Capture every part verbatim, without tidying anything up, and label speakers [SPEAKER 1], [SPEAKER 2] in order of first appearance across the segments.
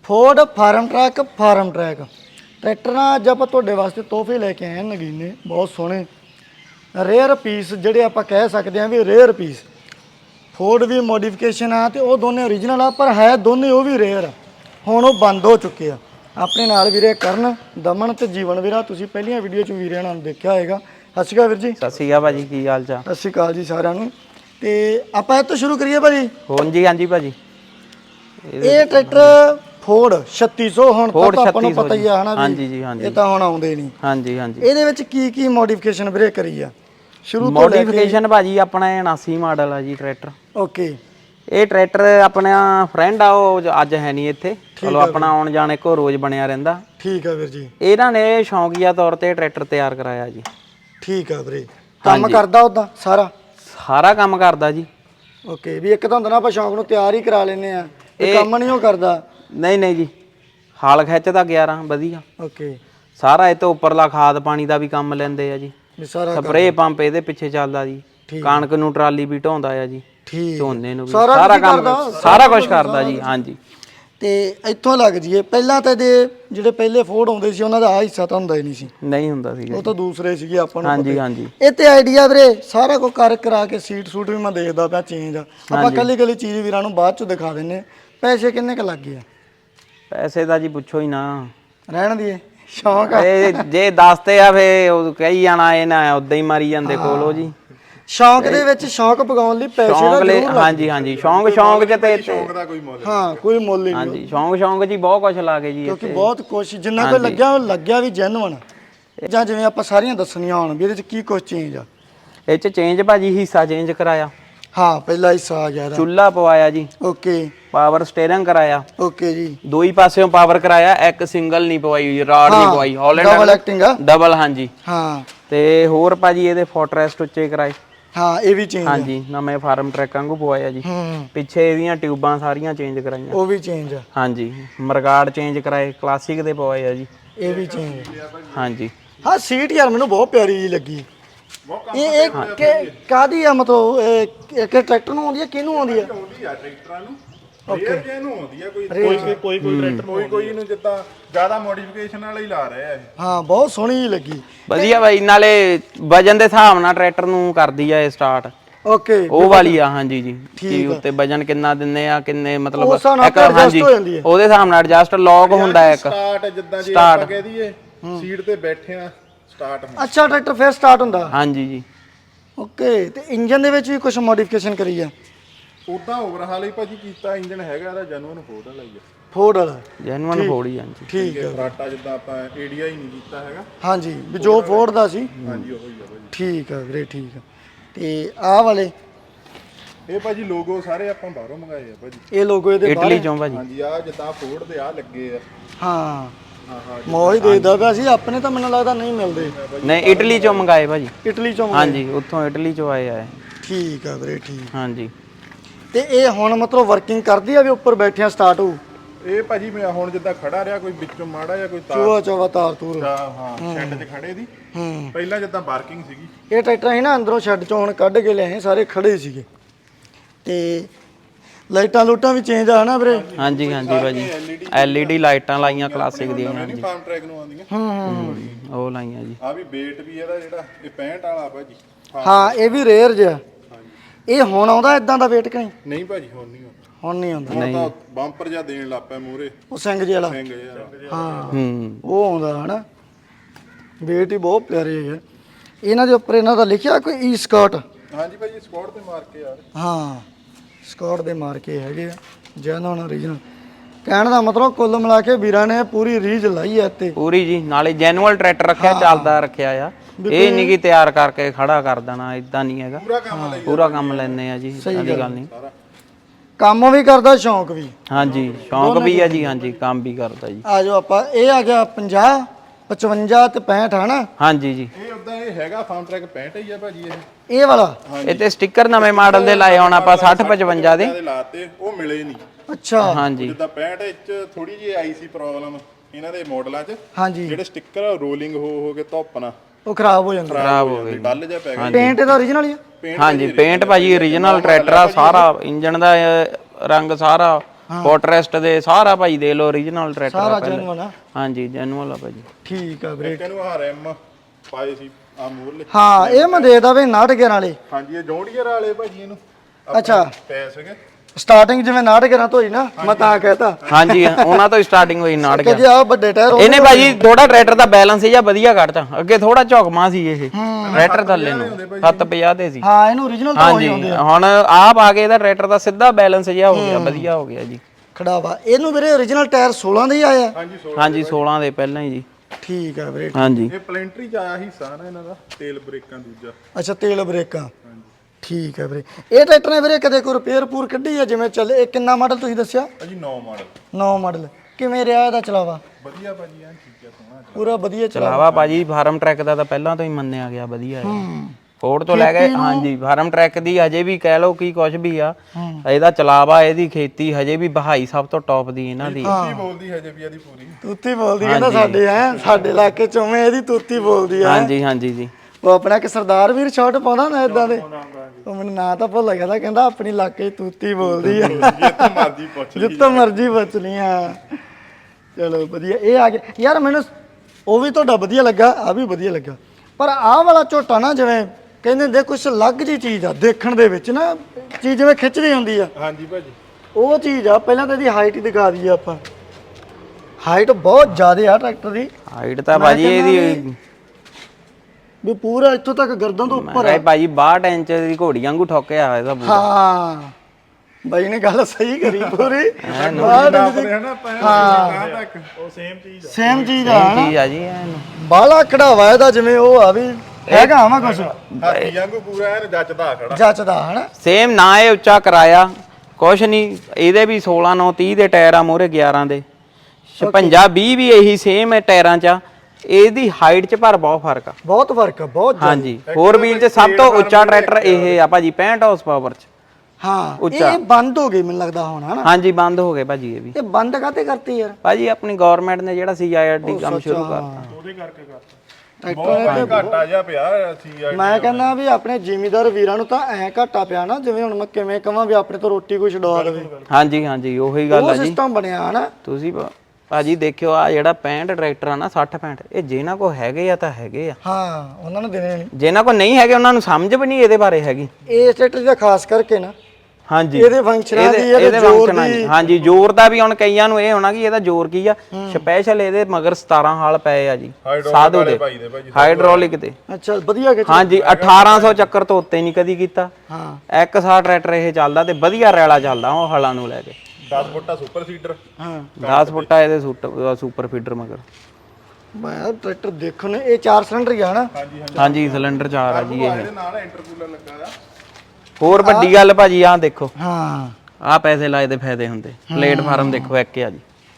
[SPEAKER 1] Ford farm track farm track tractor ਨਾਲ ਅੱਜ ਆਪਾਂ ਤੁਹਾਡੇ ਵਾਸਤੇ ਤੋਹਫੇ ਲੈ ਕੇ ਆਏ ਹਾਂ ਨਗੀਨੇ ਬਹੁਤ ਸੋਹਣੇ ਰੇਅਰ ਪੀਸ ਜਿਹੜੇ ਆਪਾਂ ਕਹਿ ਸਕਦੇ ਹਾਂ ਵੀ ਰੇਅਰ ਪੀਸ ਫੋਰਡ ਵੀ ਮੋਡੀਫਿਕੇਸ਼ਨ ਆ ਤੇ ਉਹ ਦੋਨੇ ਓਰੀਜਨਲ ਆ ਪਰ ਹੈ ਦੋਨੇ ਉਹ ਵੀ ਰੇਅਰ ਆ ਹੁਣ ਉਹ ਬੰਦ ਹੋ ਚੁੱਕੇ ਆ ਆਪਣੇ ਨਾਲ ਵੀਰੇ ਕਰਨ ਦਮਨ ਤੇ ਜੀਵਨ ਵੀਰਾ ਤੁਸੀਂ ਪਹਿਲੀਆਂ ਵੀਡੀਓ 'ਚ ਵੀਰਿਆਂ ਨਾਲ ਦੇਖਿਆ ਹੋਏਗਾ। ਸਤਿ ਸ਼੍ਰੀ ਅਕਾਲ ਵੀਰ ਜੀ।
[SPEAKER 2] ਸਤਿ ਸ਼੍ਰੀ ਅਕਾਲ ਭਾਜੀ ਕੀ ਹਾਲ ਚਾਲ।
[SPEAKER 1] ਸਤਿ ਸ਼੍ਰੀ ਅਕਾਲ ਜੀ ਸਾਰਿਆਂ ਨੂੰ ਤੇ ਆਪਾਂ ਇਹ ਤੋਂ ਸ਼ੁਰੂ ਕਰੀਏ ਭਾਜੀ।
[SPEAKER 2] ਹਾਂਜੀ ਹਾਂਜੀ ਭਾਜੀ
[SPEAKER 1] ਇਹ ਟਰੈਕਟਰ ਫੋਰਡ ਛੱਤੀ ਸੌ ਹੁਣ ਤੱਕ ਆਪਾਂ ਨੂੰ ਪਤਾ ਹੀ ਆ ਹਨਾ
[SPEAKER 2] ਹਾਂਜੀ ਜੀ ਹਾਂਜੀ
[SPEAKER 1] ਇਹ ਤਾਂ ਹੁਣ ਆਉਂਦੇ ਨਹੀਂ।
[SPEAKER 2] ਹਾਂਜੀ ਹਾਂਜੀ
[SPEAKER 1] ਇਹਦੇ ਵਿੱਚ ਕੀ ਕੀ ਮੋਡੀਫਿਕੇਸ਼ਨ ਵੀਰੇ ਕਰੀ ਆ ਸ਼ੁਰੂ ਤੋਂ
[SPEAKER 2] ਮੋਡੀਫਿਕੇਸ਼ਨ ਭਾਜੀ ਆਪਣਾ ਉਨਾਸੀ ਮਾਡਲ ਆ ਜੀ ਟਰੈਕਟਰ।
[SPEAKER 1] ਓਕੇ
[SPEAKER 2] ਇਹ ਟਰੈਕਟਰ ਆਪਣਾ ਫਰੈਂਡ ਆ ਉਹ ਅੱਜ ਹੈ ਨਹੀਂ ਇੱਥੇ ਚਲੋ ਆਪਣਾ ਆਉਣ ਜਾਣ ਇੱਕੋ ਰੋਜ਼ ਬਣਿਆ ਰਹਿੰਦਾ।
[SPEAKER 1] ਠੀਕ ਆ ਵੀਰ ਜੀ।
[SPEAKER 2] ਇਹਨਾਂ ਨੇ ਸ਼ੌਂਕੀਆ ਤੌਰ ਤੇ ਟਰੈਕਟਰ ਤਿਆਰ ਕਰਾਇਆ ਜੀ।
[SPEAKER 1] ਠੀਕ ਆ ਵੀਰੇ ਕੰਮ ਕਰਦਾ ਉਦਾਂ ਸਾਰਾ
[SPEAKER 2] ਸਾਰਾ ਕੰਮ ਕਰਦਾ ਜੀ।
[SPEAKER 1] ਓਕੇ ਵੀ ਇੱਕ ਤਾਂ ਹੁੰਦਾ ਨਾ ਆਪਾਂ ਸ਼ੌਂਕ ਨੂੰ ਤਿਆਰ ਹੀ ਕਰਾ ਲੈਨੇ ਆ ਇਹ ਕੰਮ ਨਹੀਂ ਉਹ ਕਰਦਾ।
[SPEAKER 2] ਨਹੀਂ ਨਹੀਂ ਜੀ ਹਾਲ ਖਿੱਚਦਾ ਗਿਆਰਾਂ ਵਧੀਆ।
[SPEAKER 1] ਓਕੇ
[SPEAKER 2] ਸਾਰਾ ਇਹ ਤੋਂ ਉੱਪਰਲਾ ਖਾਦ ਪਾਣੀ ਦਾ ਵੀ ਕੰਮ ਲੈਂਦੇ ਆ ਜੀ।
[SPEAKER 1] ਸਾਰਾ
[SPEAKER 2] ਸਪਰੇਅ ਪੰਪ ਇਹਦੇ ਪਿੱਛੇ ਚੱਲਦਾ ਜੀ। ਕਣਕ ਨੂੰ ਟਰਾਲੀ ਵੀ ਢੋਂਦਾ ਆ ਜੀ।
[SPEAKER 1] ਠੀਕ
[SPEAKER 2] ਝੋਨੇ ਨੂੰ ਵੀ ਸਾਰਾ ਕੰਮ ਸਾਰਾ ਕੁਝ ਕਰਦਾ ਜੀ। ਹਾਂਜੀ
[SPEAKER 1] ਤੇ ਇੱਥੋਂ ਲੱਗ ਜੀਏ ਪਹਿਲਾਂ ਤਾਂ ਇਹਦੇ ਜਿਹੜੇ ਪਹਿਲੇ ਫੋਰਡ ਆਉਂਦੇ ਸੀ ਉਹਨਾਂ ਦਾ ਆ ਹਿੱਸਾ ਤਾਂ ਹੁੰਦਾ ਹੀ ਨਹੀਂ ਸੀ।
[SPEAKER 2] ਨਹੀਂ ਹੁੰਦਾ ਸੀ
[SPEAKER 1] ਉਹ ਤਾਂ ਦੂਸਰੇ ਸੀਗੇ ਆਪਾਂ ਨੂੰ।
[SPEAKER 2] ਹਾਂਜੀ ਹਾਂਜੀ
[SPEAKER 1] ਇਹ ਤੇ ਆਈਡੀਆ ਵੀਰੇ ਸਾਰਾ ਕੁਝ ਕਰ ਕਰਾ ਕੇ ਸੀਟ ਸੂਟ ਵੀ ਮੈਂ ਦੇਖਦਾ ਪਿਆ ਚੇਂਜ ਆ ਆਪਾਂ ਕੱਲੀ ਕੱਲੀ ਚੀਜ਼ ਵੀਰਾਂ ਨੂੰ ਬਾਅਦ ਚ ਦਿਖਾ ਦਿੰਨੇ। ਪੈਸੇ ਕਿੰਨੇ ਕ ਲੱਗ ਗਏ ਆ?
[SPEAKER 2] ਪੈਸੇ ਦਾ ਜੀ ਪੁੱਛੋ ਹੀ ਨਾ
[SPEAKER 1] ਰਹਿਣ ਦੀ ਸ਼ੌਂਕ ਆ
[SPEAKER 2] ਇਹ ਜੇ ਦੱਸਦੇ ਆ ਫੇ ਉਹ ਕਹੀ ਜਾਣਾ ਇਹ ਨਾ ਉਦਾਂ ਹੀ ਮਾਰੀ ਜਾਂਦੇ ਕੋਲੋ ਜੀ।
[SPEAKER 1] ਸ਼ੌਂਕ ਦੇ ਵਿੱਚ ਸ਼ੌਂਕ ਪਗਾਉਣ ਲਈ ਪੈਸੇ ਦਾ ਜ਼ਰੂਰ
[SPEAKER 2] ਹਾਂਜੀ ਹਾਂਜੀ ਸ਼ੌਂਕ ਸ਼ੌਂਕ ਚ ਤੇ
[SPEAKER 1] ਹਾਂ ਕੋਈ ਮੁੱਲ ਨਹੀਂ।
[SPEAKER 2] ਹਾਂਜੀ ਸ਼ੌਂਕ ਸ਼ੌਂਕ ਜੀ ਬਹੁਤ ਕੁਝ ਲਾ ਕੇ ਜੀ
[SPEAKER 1] ਕਿਉਂਕਿ ਬਹੁਤ ਕੁਛ ਜਿੰਨਾ ਕੋਈ ਲੱਗਿਆ ਉਹ ਲੱਗਿਆ ਵੀ ਜੈਨੂਅਨ ਜਾਂ ਜਿਵੇਂ ਆਪਾਂ ਸਾਰੀਆਂ ਦੱਸਣੀਆਂ ਹੋਣ ਵੀ ਇਹਦੇ ਚ ਕੀ ਕੁਛ ਚੇਂਜ ਆ।
[SPEAKER 2] ਇਹ ਚ ਚੇਂਜ ਭਾਜੀ ਹਿੱਸਾ ਚੇਂਜ ਕਰਾਇਆ।
[SPEAKER 1] ਹਾਂ ਪਹਿਲਾ ਹਿੱਸਾ ਆ ਗਿਆ।
[SPEAKER 2] ਚੁੱਲਾ ਪਵਾਇਆ ਜੀ।
[SPEAKER 1] ਓਕੇ
[SPEAKER 2] ਪਾਵਰ ਸਟੀਅਰਿੰਗ ਕਰਾਇਆ।
[SPEAKER 1] ਓਕੇ ਜੀ
[SPEAKER 2] ਦੋ ਹੀ ਪਾਸਿਓਂ ਪਾਵਰ ਕਰਾਇਆ ਇੱਕ ਸਿੰਗਲ ਨਹੀਂ ਪਵਾਈ ਹੋਈ ਰਾਡ ਨਹੀਂ ਪਵਾਈ ਹਾਲੈਂਡ
[SPEAKER 1] ਡਬਲ ਐਕਟਿੰਗ ਆ
[SPEAKER 2] ਡਬਲ ਹਾਂਜੀ
[SPEAKER 1] ਹਾਂ
[SPEAKER 2] ਤੇ ਹੋਰ ਭਾਜੀ ਇਹਦੇ ਫੋਟਰੈਸਟ ਉੱਚੇ ਕਰਾਏ।
[SPEAKER 1] ਹਾਂ ਇਹ ਵੀ ਚੇਂਜ
[SPEAKER 2] ਹਾਂਜੀ ਨਵੇਂ ਫਾਰਮ ਟਰੈਕ ਵਾਂਗੂ ਪਵਾਇਆ ਜੀ। ਪਿੱਛੇ ਇਹਦੀਆਂ ਟਿਊਬਾਂ ਸਾਰੀਆਂ ਚੇਂਜ ਕਰਾਈਆਂ ਉਹ
[SPEAKER 1] ਵੀ ਚੇਂਜ ਆ। ਹਾਂਜੀ
[SPEAKER 2] ਮਰਗਾੜ ਚੇਂਜ ਕਰਾਏ ਕਲਾਸਿਕ ਦੇ ਪਵਾਏ ਆ ਜੀ
[SPEAKER 1] ਇਹ ਵੀ ਚੇਂਜ
[SPEAKER 2] ਹਾਂਜੀ।
[SPEAKER 1] ਹਾਂ ਸੀਟ ਯਾਰ ਮੈਨੂੰ ਬਹੁਤ ਪਿਆਰੀ ਜੀ ਲੱਗੀ। ਇਹ ਇਹ ਕਾਦੀ ਆ ਮਤਲਬ ਇਹ ਟਰੈਕਟਰ ਨੂੰ ਆਉਂਦੀ ਆ ਕਿਹਨੂੰ ਆਉਂਦੀ ਆ?
[SPEAKER 3] ਆਉਂਦੀ ਆ ਟਰੈਕਟਰਾਂ ਨੂੰ ਰੇਅਰ ਜੇ ਨੂੰ ਆਉਂਦੀ ਆ ਕੋਈ ਕੋਈ ਕੋਈ ਕੋਈ ਟਰੈਕਟਰ ਕੋਈ ਕੋਈ ਨੂੰ ਜਿੱਦਾਂ ਜ਼ਿਆਦਾ ਮੋਡੀਫਿਕੇਸ਼ਨ ਵਾਲਾ ਹੀ ਲਾ ਰਹੇ ਆ ਇਹ।
[SPEAKER 1] ਹਾਂ ਬਹੁਤ ਸੋਹਣੀ ਜੀ ਲੱਗੀ
[SPEAKER 2] ਵਧੀਆ ਬਾਈ ਨਾਲੇ ਵਜਨ ਦੇ ਹਿਸਾਬ ਨਾਲ ਟਰੈਕਟਰ ਨੂੰ ਕਰਦੀ ਆ ਇਹ ਸਟਾਰਟ।
[SPEAKER 1] ਓਕੇ
[SPEAKER 2] ਉਹ ਵਾਲੀ ਆ ਹਾਂਜੀ ਜੀ ਕੀ ਉੱਤੇ ਵਜਨ ਕਿੰਨਾ ਦਿੰਨੇ ਆ ਕਿੰਨੇ ਮਤਲਬ
[SPEAKER 1] ਇੱਕ ਹਾਂਜੀ
[SPEAKER 2] ਉਹਦੇ ਹਿਸਾਬ ਨਾਲ ਐਡਜਸਟ ਲੌਕ ਹੁੰਦਾ ਇੱਕ
[SPEAKER 3] ਸਟਾਰਟ ਜਿੱਦਾਂ ਜੇ ਆਪਾਂ ਕਹਿ ਦਈਏ ਸੀਟ ਤੇ ਬੈਠੇ ਆ ਸਟਾਰਟ ਹੁੰਦਾ।
[SPEAKER 1] ਅੱਛਾ ਟਰੈਕਟਰ ਫੇਰ ਸਟਾਰਟ ਹੁੰਦਾ।
[SPEAKER 2] ਹਾਂਜੀ ਜੀ
[SPEAKER 1] ਓਕੇ ਤੇ ਇੰਜਨ ਦੇ ਵਿੱਚ ਵੀ ਕੁਝ ਮੋਡੀਫਿਕੇਸ਼ਨ ਕਰੀ ਆ?
[SPEAKER 3] ਉਦਾਂ ਓਵਰਹਾਲ ਹੀ ਭਾਜੀ ਕੀਤਾ ਇੰਜਨ ਹੈਗਾ ਇਹਦਾ ਜੈਨੂਅਨ ਫੋਰਡ ਵਾਲਾ ਹੀ ਆ।
[SPEAKER 1] ਫੋਰਡ ਵਾਲਾ
[SPEAKER 2] ਜੈਨੂਅਨ ਫੋਰਡ ਹੀ ਹਾਂਜੀ
[SPEAKER 3] ਠੀਕ ਹੈ ਫਰਾਟਾ ਜਿੱਦਾਂ ਆਪਾਂ ਏਡੀਆ ਹੀ ਨਹੀਂ ਕੀਤਾ ਹੈਗਾ।
[SPEAKER 1] ਹਾਂਜੀ ਵੀ ਜੋ ਫੋਰਡ ਦਾ ਸੀ
[SPEAKER 3] ਹਾਂਜੀ ਉਹੀ ਆ ਭਾਜੀ।
[SPEAKER 1] ਠੀਕ ਆ ਵੀਰੇ ਠੀਕ ਆ। ਤੇ ਆਹ ਵਾਲੇ
[SPEAKER 3] ਇਹ ਭਾਜੀ ਲੋਗੋ ਸਾਰੇ ਆਪਾਂ ਬਾਹਰੋਂ ਮੰਗਾਏ ਆ ਭਾਜੀ।
[SPEAKER 1] ਇਹ ਲੋਗੋ ਇਹਦੇ
[SPEAKER 2] ਇਟਲੀ ਚੋਂ ਭਾਜੀ।
[SPEAKER 3] ਹਾਂਜੀ ਆ ਜਿੱਦਾਂ ਫੋਰਡ ਦੇ ਆ ਲੱਗੇ ਆ।
[SPEAKER 1] ਹਾਂ ਮੋਹ ਹੀ ਦੇਦਾ ਪਿਆ ਸੀ ਆਪਣੇ ਤਾਂ ਮੈਨੂੰ ਲੱਗਦਾ ਨਹੀਂ ਮਿਲਦੇ।
[SPEAKER 2] ਨਹੀਂ ਇਟਲੀ ਚੋਂ ਮੰਗਾਏ ਭਾਜੀ।
[SPEAKER 1] ਇਟਲੀ ਚੋਂ
[SPEAKER 2] ਹਾਂਜੀ ਉੱਥੋਂ ਇਟਲੀ ਚੋਂ ਆਏ ਆ।
[SPEAKER 1] ਠੀਕ ਆ ਵੀਰੇ ਠੀਕ।
[SPEAKER 2] ਹਾਂਜੀ
[SPEAKER 1] ਤੇ ਇਹ ਹੁਣ ਮਤਲਬ ਵਰਕਿੰਗ ਕਰਦੀ ਆ ਵੀ ਉੱਪਰ ਬੈਠਿਆਂ ਸਟਾਰਟ ਹੋਊ?
[SPEAKER 3] ਇਹ ਭਾਜੀ ਮੈਂ ਹੁਣ ਜਿੱਦਾਂ ਖੜਾ ਰਿਹਾ ਕੋਈ ਵਿੱਚੋਂ ਮਾੜਾ ਜਾਂ ਕੋਈ ਤਾਰ
[SPEAKER 1] ਚੋਆ ਚੋਆ ਤਾਰ ਤੂਰ
[SPEAKER 3] ਹਾਂ ਸ਼ੈੱਡ 'ਚ ਖੜੇ ਦੀ
[SPEAKER 1] ਹੂੰ
[SPEAKER 3] ਪਹਿਲਾਂ ਜਿੱਦਾਂ ਪਾਰਕਿੰਗ ਸੀਗੀ
[SPEAKER 1] ਇਹ ਟਰੈਕਟਰ ਸੀ ਨਾ ਅੰਦਰੋਂ ਸ਼ੈੱਡ ਚੋਂ ਹੁਣ ਕੱਢ ਕੇ ਲਿਆਏ ਸਾਰੇ ਖੜੇ ਸੀਗੇ। ਤੇ ਲਾਈਟਾਂ ਲੂਟਾਂ ਵੀ ਚੇਂਜ ਆ ਹਨਾ ਵੀਰੇ?
[SPEAKER 2] ਹਾਂਜੀ ਹਾਂਜੀ ਭਾਜੀ ਐਲਈਡੀ ਲਾਈਟਾਂ ਲਾਈਆਂ ਕਲਾਸਿਕ ਦੀਆਂ ਹਾਂਜੀ
[SPEAKER 3] ਫਾਰਮ ਟਰੈਕ ਨੂੰ ਆਉਂਦੀਆਂ
[SPEAKER 2] ਹੂੰ ਉਹ ਲਾਈਆਂ ਜੀ।
[SPEAKER 3] ਆ ਵੀ weight ਵੀ ਇਹਦਾ ਜਿਹੜਾ ਇਹ ਪੈਂਹਠ ਵਾਲਾ ਭਾਜੀ।
[SPEAKER 1] ਹਾਂ ਇਹ ਵੀ ਰੇਅਰ ਜਿਹਾ। ਇਹ ਹੁਣ ਆਉਂਦਾ ਇਦਾਂ ਦਾ weight ਕਿ ਨਹੀਂ?
[SPEAKER 3] ਨਹੀਂ ਭਾਜੀ ਹੁਣ ਨਹੀਂ ਆਉਂਦਾ।
[SPEAKER 1] ਹੁਣ ਨਹੀਂ ਆਉਂਦਾ।
[SPEAKER 3] ਹੁਣ ਤਾਂ ਬੰਪਰ ਜਿਹਾ ਦੇਣ ਲੱਗ ਪਿਆ ਮੂਰੇ
[SPEAKER 1] ਉਹ ਸਿੰਘ ਜਿਹੇ ਵਾਲਾ
[SPEAKER 3] ਸਿੰਘ ਜਿਹਾ
[SPEAKER 1] ਹਾਂ
[SPEAKER 2] ਹੂੰ
[SPEAKER 1] ਉਹ ਆਉਂਦਾ ਹਨਾ। weight ਹੀ ਬਹੁਤ ਪਿਆਰੇ ਹੈ। ਇਹਨਾਂ ਦੇ ਉੱਪਰ ਇਹਨਾਂ ਦਾ ਲਿਖਿਆ ਕੋਈ ਈ ਸਕਾਟ?
[SPEAKER 3] ਹਾਂਜੀ ਭਾਜੀ ਸਕਾਟ ਤੇ ਮਾਰ ਕੇ ਯਾਰ
[SPEAKER 1] ਹਾਂ ਸਕਾਟ ਦੇ ਮਾਰ ਕੇ ਹੈਗੇ ਆ ਜੈਨੂਅਨ ਓਰੀਜਨਲ। ਕਹਿਣ ਦਾ ਮਤਲਬ ਕੁੱਲ ਮਿਲਾ ਕੇ ਵੀਰਾਂ ਨੇ ਪੂਰੀ ਰੀਝ ਲਾਈ ਐ ਤੇ
[SPEAKER 2] ਪੂਰੀ ਜੀ ਨਾਲੇ ਜੈਨੂਅਲ ਟਰੈਕਟਰ ਰੱਖਿਆ ਚੱਲਦਾ ਰੱਖਿਆ ਆ ਇਹ ਨਹੀਂ ਕਿ ਤਿਆਰ ਕਰਕੇ ਖੜਾ ਕਰ ਦੇਣਾ ਇਦਾਂ ਨਹੀਂ ਹੈਗਾ ਪੂਰਾ ਕੰਮ ਲੈਣੇ ਆ ਜੀ ਇਦਾਂ ਦੀ ਗੱਲ ਨਹੀਂ।
[SPEAKER 1] ਕੰਮ ਵੀ ਕਰਦਾ ਸ਼ੌਂਕ ਵੀ।
[SPEAKER 2] ਹਾਂਜੀ ਸ਼ੌਂਕ ਵੀ ਆ ਜੀ ਹਾਂਜੀ ਕੰਮ ਵੀ ਕਰਦਾ ਜੀ।
[SPEAKER 1] ਆ ਜਾਓ ਆਪਾਂ ਇਹ ਆ ਗਿਆ ਪੰਜਾਹ ਪਚਵੰਜਾ ਤੇ ਪੈਂਹਠ ਹਨਾ?
[SPEAKER 2] ਹਾਂਜੀ ਜੀ
[SPEAKER 3] ਇਹ ਉਦਾਂ ਇਹ ਹੈਗਾ ਫਾਰਮ ਟਰੈਕ ਪੈਂਹਠ ਹੀ ਆ ਭਾਜੀ ਇਹ
[SPEAKER 1] ਇਹ ਵਾਲਾ।
[SPEAKER 2] ਇਹ ਤੇ ਸਟicker ਨਵੇਂ ਮਾਡਲ ਦੇ ਲਾਏ ਹੁਣ ਆਪਾਂ ਸੱਠ ਪਚਵੰਜਾ ਦੇ
[SPEAKER 3] ਲਾਤੇ ਉਹ ਮਿਲੇ ਨਹੀਂ।
[SPEAKER 1] ਅੱਛਾ
[SPEAKER 2] ਹਾਂਜੀ
[SPEAKER 3] ਜਿੱਦਾਂ ਪੈਂਹਠ ਵਿੱਚ ਥੋੜੀ ਜਿਹੀ ਆਈ ਸੀ ਪ੍ਰੋਬਲਮ ਇਹਨਾਂ ਦੇ ਮਾਡਲਾਂ 'ਚ
[SPEAKER 1] ਹਾਂਜੀ
[SPEAKER 3] ਜਿਹੜੇ ਸਟicker ਰੋਲਿੰਗ ਹੋ ਹੋ ਕੇ ਧੁੱਪਣਾ
[SPEAKER 1] ਉਹ ਖਰਾਬ ਹੋ ਜਾਂਦਾ
[SPEAKER 2] ਖਰਾਬ ਹੋ ਗਈ
[SPEAKER 3] ਡੱਲ ਜਿਹਾ ਪੈ ਗਿਆ।
[SPEAKER 1] ਪੇਂਟ ਇਹਦਾ ਓਰੀਜਨਲ ਹੀ ਆ?
[SPEAKER 2] ਹਾਂਜੀ ਪੇਂਟ ਭਾਜੀ ਓਰੀਜਨਲ ਟਰੈਕਟਰ ਆ ਸਾਰਾ ਇੰਜਨ ਦਾ ਰੰਗ ਸਾਰਾ ਫੋਟਰੈਸਟ ਦੇ ਸਾਰਾ ਭਾਜੀ ਦੇ ਲੋ origignal ਟਰੈਕਟਰ
[SPEAKER 1] ਸਾਰਾ
[SPEAKER 2] ਆ ਪਹਿਲਾਂ
[SPEAKER 1] ਜੈਨੂਅਨ ਆ
[SPEAKER 2] ਹਾਂਜੀ ਜੈਨੂਅਲ ਆ ਭਾਜੀ
[SPEAKER 1] ਠੀਕ ਆ ਵੀਰੇ
[SPEAKER 3] ਇੱਕ ਇਹਨੂੰ ਆ ਰੈਮ ਪਾਏ ਸੀ ਆ ਮੂਰਲੇ
[SPEAKER 1] ਹਾਂ ਇਹ ਮੈਂ ਦੇ ਦਵੇ ਨਾਟਕ ਵਾਲੇ
[SPEAKER 3] ਹਾਂਜੀ ਇਹ ਜੌਂਡੀਅਰ ਵਾਲੇ ਭਾਜੀ ਇਹਨੂੰ
[SPEAKER 1] ਅੱਛਾ
[SPEAKER 3] ਪੈ ਸੀਗੇ
[SPEAKER 1] ਸਟਾਰਟਿੰਗ ਜਿਵੇਂ ਨਾਟਕ ਨਾਲ ਧੋਈ ਨਾ ਮੈਂ ਤਾਂ ਕਹਿਤਾ
[SPEAKER 2] ਹਾਂਜੀ ਉਹਨਾਂ ਤੋਂ ਸਟਾਰਟਿੰਗ ਹੋਈ ਨਾੜ
[SPEAKER 1] ਕਿ ਜੇ ਆ ਵੱਡੇ ਟਾਇਰ ਹੋਣ-
[SPEAKER 2] ਇਹਨੇ ਭਾਜੀ ਥੋੜਾ ਟਰੈਕਟਰ ਦਾ ਬੈਲੈਂਸ ਜਿਹਾ ਵਧੀਆ ਕੱਢਤਾ ਅੱਗੇ ਥੋੜਾ ਝੁਕਮਾ ਸੀ ਇਹ ਟਰੈਕਟਰ ਥੱਲੇ ਨੂੰ ਸੱਤ ਪੰਜਾਹ ਤੇ ਸੀ
[SPEAKER 1] ਹਾਂ ਇਹਨੂੰ origignal ਤਾਂ ਹੋਈ
[SPEAKER 2] ਹਾਂਜੀ ਹੁਣ ਆਪ ਆ ਕੇ ਇਹਦਾ ਟਰੈਕਟਰ ਦਾ ਸਿੱਧਾ ਬੈਲੈਂਸ ਜਿਹਾ ਹੋ ਗਿਆ ਵਧੀਆ ਹੋ ਗਿਆ ਜੀ
[SPEAKER 1] ਖੜਾਵਾ ਇਹਨੂੰ ਵੀਰੇ origignal ਟਾਇਰ ਸੋਲਾਂ ਦੇ ਹੀ ਆਇਆ
[SPEAKER 3] ਹਾਂਜੀ ਸੋ
[SPEAKER 2] ਹਾਂਜੀ ਸੋਲਾਂ ਦੇ ਪਹਿਲਾਂ ਹੀ ਜੀ
[SPEAKER 1] ਠੀਕ ਆ ਵੀਰੇ
[SPEAKER 2] ਹਾਂਜੀ
[SPEAKER 3] ਇਹ ਪਲੈਂਟਰੀ ਚ ਆਇਆ ਹਿੱਸਾ ਨਾ ਇਹਨਾਂ ਦਾ ਤੇਲ ਬ੍ਰੇਕਾਂ ਦੂਜਾ
[SPEAKER 1] ਅੱਛਾ ਤੇਲ ਬ੍ਰੇਕਾਂ ਠੀਕ ਹੈ ਵੀਰੇ ਇਹ ਟਰੈਕਟਰ ਨੇ ਵੀਰੇ ਕਦੇ ਕੋਈ ਰਿਪੇਅਰ ਪੂਰ ਕੱਢੀ ਆ ਜਿਵੇਂ ਚੱਲੇ ਇਹ ਕਿੰਨਾ ਮਾਡਲ ਤੁਸੀਂ ਦੱਸਿਆ
[SPEAKER 3] ਭਾਜੀ ਨੌ ਮਾਡਲ
[SPEAKER 1] ਨੌ ਮਾਡਲ ਕਿਵੇਂ ਰਿਹਾ ਇਹਦਾ ਚਲਾਵਾ
[SPEAKER 3] ਵਧੀਆ ਭਾਜੀ ਐ ਠੀਕ ਹੈ ਸੋਹਣਾ
[SPEAKER 1] ਪੂਰਾ ਵਧੀਆ ਚਲਾ
[SPEAKER 2] ਚਲਾਵਾ ਭਾਜੀ ਫਾਰਮ ਟਰੈਕ ਦਾ ਤਾਂ ਪਹਿਲਾਂ ਤੋਂ ਹੀ ਮੰਨਿਆ ਗਿਆ ਵਧੀਆ ਹੈ ਫੋਰਡ ਤੋਂ ਲੈ ਕੇ ਹਾਂਜੀ ਫਾਰਮ ਟਰੈਕ ਦੀ ਹਜੇ ਵੀ ਕਹਿ ਲਓ ਕੀ ਕੁਝ ਵੀ ਆ ਇਹਦਾ ਚਲਾਵਾ ਇਹਦੀ ਖੇਤੀ ਹਜੇ ਵੀ ਬਹਾਈ ਸਭ ਤੋਂ ਟੌਪ ਦੀ ਇਹਨਾਂ ਦੀ
[SPEAKER 3] ਕੀ ਬੋਲਦੀ ਹਜੇ ਵੀ ਇਹਦੀ ਪੂਰੀ
[SPEAKER 1] ਤੂਤੀ ਬੋਲਦੀ ਕਹਿੰਦਾ ਸਾਡੇ ਐ ਸਾਡੇ ਇਲਾਕੇ ਚ ਉਵੇਂ ਇਹਦੀ ਤੂਤੀ ਬੋਲਦੀ ਆ
[SPEAKER 2] ਹਾਂਜੀ ਹਾਂਜੀ ਜੀ
[SPEAKER 1] ਉਹ ਆਪਣਾ ਕਿ ਸਰਦਾਰ ਵੀਰ ਸ਼ਾਟ ਪਾਉਂਦਾ ਨਾ ਇਦਾਂ ਦੇ ਉਹ ਮੈਨੂੰ ਨਾਂ ਤਾਂ ਭੁੱਲ ਗਿਆ ਕਹਿੰਦਾ ਆਪਣੀ ਇਲਾਕੇ ਚ ਤੂਤੀ ਬੋਲਦੀ ਆ
[SPEAKER 3] ਜਿੱਥੇ ਮਰਜੀ ਪੁੱਛ
[SPEAKER 1] ਜਿੱਥੋਂ ਮਰਜੀ ਪੁੱਛ ਲਈ ਹਾਂ ਚਲੋ ਵਧੀਆ ਇਹ ਆ ਗਿਆ ਯਾਰ ਮੈਨੂੰ ਉਹ ਵੀ ਤੁਹਾਡਾ ਵਧੀਆ ਲੱਗਾ ਆ ਵੀ ਵਧੀਆ ਲੱਗਾ ਪਰ ਆਹ ਵਾਲਾ ਝੋਟਾ ਨਾ ਜਿਵੇਂ ਕਹਿੰਦੇ ਹੁੰਦੇ ਕੁਛ ਅਲੱਗ ਜੀ ਚੀਜ਼ ਆ ਦੇਖਣ ਦੇ ਵਿੱਚ ਨਾ ਚੀਜ਼ ਜਿਵੇਂ ਖਿੱਚਦੀ ਹੁੰਦੀ ਆ
[SPEAKER 3] ਹਾਂਜੀ ਭਾਜੀ
[SPEAKER 1] ਉਹ ਚੀਜ਼ ਆ ਪਹਿਲਾਂ ਤਾਂ ਇਹਦੀ ਹਾਈਟ ਹੀ ਦਿਖਾ ਦਈਏ ਆਪਾਂ ਹਾਈਟ ਬਹੁਤ ਜ਼ਿਆਦਾ ਆ ਟਰੈਕਟਰ ਦੀ
[SPEAKER 2] ਹਾਈਟ ਤਾਂ ਭਾਜੀ ਇਹਦੀ
[SPEAKER 1] ਵੀ ਪੂਰਾ ਇੱਥੋਂ ਤੱਕ ਗਰਦਨ ਤੋਂ ਉੱਪਰ
[SPEAKER 2] ਹੈ ਭਾਜੀ ਬਾਹਠ ਇੰਚ ਦੀ ਘੋੜੀ ਵਾਂਗੂ ਠੋਕਿਆ ਹੋਇਆ ਇਹਦਾ ਬੂਟ
[SPEAKER 1] ਹਾਂ ਬਾਈ ਨੇ ਗੱਲ ਸਹੀ ਕਰੀ ਪੂਰੀ
[SPEAKER 3] ਹਨਾ ਹਾਂ ਤੱਕ ਉਹ ਸੇਮ ਚੀਜ਼
[SPEAKER 1] ਸੇਮ ਚੀਜ਼ ਆ
[SPEAKER 2] ਚੀਜ਼ ਆ ਜੀ ਇਹਨੂੰ
[SPEAKER 1] ਬਾਲਾ ਕਢਾਵਾ ਇਹਦਾ ਜਿਵੇਂ ਉਹ ਆ ਵੀ ਹੈਗਾ ਆਵਾ ਕੁਛ
[SPEAKER 3] ਹਾਥੀ ਵਾਂਗੂ ਪੂਰਾ ਐਨ ਜੱਜਦਾ ਖੜਾ
[SPEAKER 1] ਜੱਚਦਾ ਹਨਾ
[SPEAKER 2] ਸੇਮ ਨਾ ਇਹ ਉੱਚਾ ਕਰਾਇਆ ਕੁਛ ਨਹੀਂ ਇਹਦੇ ਵੀ ਸੋਲਾਂ ਨੌ ਤੀਹ ਦੇ ਟਾਇਰ ਆ ਮੋਰੇ ਗਿਆਰਾਂ ਦੇ ਛਪੰਜਾ ਵੀਹ ਵੀ ਇਹੀ ਸੇਮ ਹੈ ਟਾਇਰਾਂ 'ਚ ਇਹਦੀ ਹਾਈਟ 'ਚ ਪਰ ਬਹੁਤ ਫਰਕ ਆ
[SPEAKER 1] ਬਹੁਤ ਫਰਕ ਆ ਬਹੁਤ ਜ਼ਿਆਦਾ।
[SPEAKER 2] ਹਾਂਜੀ ਫੋਰ ਵੀਲ 'ਚ ਸਭ ਤੋਂ ਉੱਚਾ ਟਰੈਕਟਰ ਇਹ ਆ ਭਾਜੀ ਪੈਂਹਠ ਹਾਰਸ ਪਾਵਰ 'ਚ
[SPEAKER 1] ਹਾਂ ਇਹ ਬੰਦ ਹੋ ਗਈ ਮੈਨੂੰ ਲੱਗਦਾ ਹੁਣ ਹਨਾ
[SPEAKER 2] ਹਾਂਜੀ ਬੰਦ ਹੋ ਗਏ ਭਾਜੀ ਇਹ ਵੀ
[SPEAKER 1] ਇਹ ਬੰਦ ਕਾਤੇ ਕਰਤੀ ਯਾਰ
[SPEAKER 2] ਭਾਜੀ ਆਪਣੀ ਗਵਰਨਮੈਂਟ ਨੇ ਜਿਹੜਾ ਸੀ ਆਈ ਆਰ ਡੀ ਕੰਮ ਸ਼ੁਰੂ ਕਰਤਾ
[SPEAKER 3] ਉਹਦੇ ਕਰਕੇ ਕਰਤਾ ਬਹੁਤ ਘਾਟਾ ਜਿਹਾ ਪਿਆ ਸੀ
[SPEAKER 1] ਮੈਂ ਕਹਿੰਦਾ ਵੀ ਆਪਣੇ ਜ਼ਿਮੀਦਾਰ ਵੀਰਾਂ ਨੂੰ ਤਾਂ ਐ ਘਾਟਾ ਪਿਆ ਨਾ ਜਿਵੇਂ ਹੁਣ ਮੈਂ ਕਿਵੇਂ ਕਹਾਂ ਵੀ ਆਪਣੇ ਤੋਂ ਰੋਟੀ ਕੋਈ ਛਡਵਾ ਦੇਵੇ
[SPEAKER 2] ਹਾਂਜੀ ਹਾਂਜੀ ਉਹੀ ਗੱਲ
[SPEAKER 1] ਉਹ
[SPEAKER 2] ਆ ਜੀ
[SPEAKER 1] ਸਿਸਟਮ ਬਣਿਆ ਹਨਾ
[SPEAKER 2] ਤੁਸੀਂ ਭਾਜੀ ਦੇਖਿਓ ਆ ਜਿਹੜਾ ਪੈਂਹਠ ਟਰੈਕਟਰ ਆ ਨਾ ਸੱਠ ਪੈਂਹਠ ਇਹ ਜਿਹਨਾਂ ਕੋ ਹੈਗੇ ਆ ਤਾਂ ਹੈਗੇ ਆ
[SPEAKER 1] ਹਾਂ ਉਹਨਾਂ ਨੂੰ ਦੇਣੇ ਨਹੀਂ
[SPEAKER 2] ਜਿਹਨਾਂ ਕੋ ਨਹੀਂ ਹੈਗੇ ਉਹਨਾਂ ਨੂੰ ਸਮਝ ਵੀ ਨਹੀਂ ਇਹਦੇ ਬਾਰੇ ਹੈਗੀ
[SPEAKER 1] ਇਹ ਟਰੈਕਟਰ ਦਾ ਖਾਸ ਕਰਕੇ ਨਾ
[SPEAKER 2] ਹਾਂਜੀ
[SPEAKER 1] ਇਹਦੇ ਫੰਕਸ਼ਨਾਂ ਦੀ ਇਹਦੇ
[SPEAKER 2] ਇਹਦੇ
[SPEAKER 1] ਜ਼ੋਰ
[SPEAKER 2] ਫੰਕਸ਼ਨਾਂ
[SPEAKER 1] ਦੀ
[SPEAKER 2] ਦੀ ਹਾਂਜੀ ਜ਼ੋਰ ਦਾ ਵੀ ਹੁਣ ਕਈਆਂ ਨੂੰ ਇਹ ਹੋਣਾ ਕਿ ਇਹਦਾ ਜ਼ੋਰ ਕੀ ਆ ਸਪੈਸ਼ਲ ਇਹਦੇ ਮਗਰ ਸਤਾਰਾਂ ਹਾਲ ਪਏ ਆ ਜੀ ਸਾਧੂ ਦੇ ਹਾਈਡ੍ਰੋਲਿਕ ਤੇ
[SPEAKER 1] ਅੱਛਾ ਵਧੀਆ ਕਿ
[SPEAKER 2] ਹਾਂਜੀ ਅਠਾਰਾਂ ਸੌ ਚੱਕਰ ਤੋਂ ਉੱਤੇ ਨਹੀਂ ਕਦੀ ਕੀਤਾ
[SPEAKER 1] ਹਾਂ
[SPEAKER 2] ਇੱਕ ਸਾਲ ਟਰੈਕਟਰ ਇਹ ਚੱਲਦਾ ਤੇ ਵਧੀਆ ਰੈਲਾ ਚੱਲਦਾ ਉਹ ਹਲਾਂ ਨੂੰ ਲੈ ਕੇ
[SPEAKER 3] ਦਸ ਫੁੱਟਾ ਸੁਪਰ ਸੀਡਰ
[SPEAKER 1] ਹਾਂ
[SPEAKER 2] ਦਸ ਫੁੱਟਾ ਇਹਦੇ ਸੁਪਰ ਫੀਡਰ ਮਗਰ
[SPEAKER 1] ਮੈਂ ਟਰੈਕਟਰ ਦੇਖਣ ਨੂੰ ਇਹ ਚਾਰ ਸਿਲੰਡਰ ਹੀ ਆ ਨਾ
[SPEAKER 3] ਹਾਂਜੀ ਹਾਂਜੀ
[SPEAKER 2] ਹਾਂਜੀ ਸਿਲੰਡਰ ਚਾਰ ਆ ਜੀ ਇਹ
[SPEAKER 3] ਇਹਦੇ ਨਾਲ ਇੰਟਰਕੂਲਰ ਲੱਗਾ ਆ
[SPEAKER 2] ਹੋਰ ਵੱਡੀ ਗੱਲ ਭਾਜੀ ਆਹ ਦੇਖੋ
[SPEAKER 1] ਹਾਂ
[SPEAKER 2] ਆਹ ਪੈਸੇ ਲਾਏ ਦੇ ਫਾਇਦੇ ਹੁੰਦੇ ਪਲੇਟਫਾਰਮ ਦੇਖੋ ਇੱਕ ਆ ਜੀ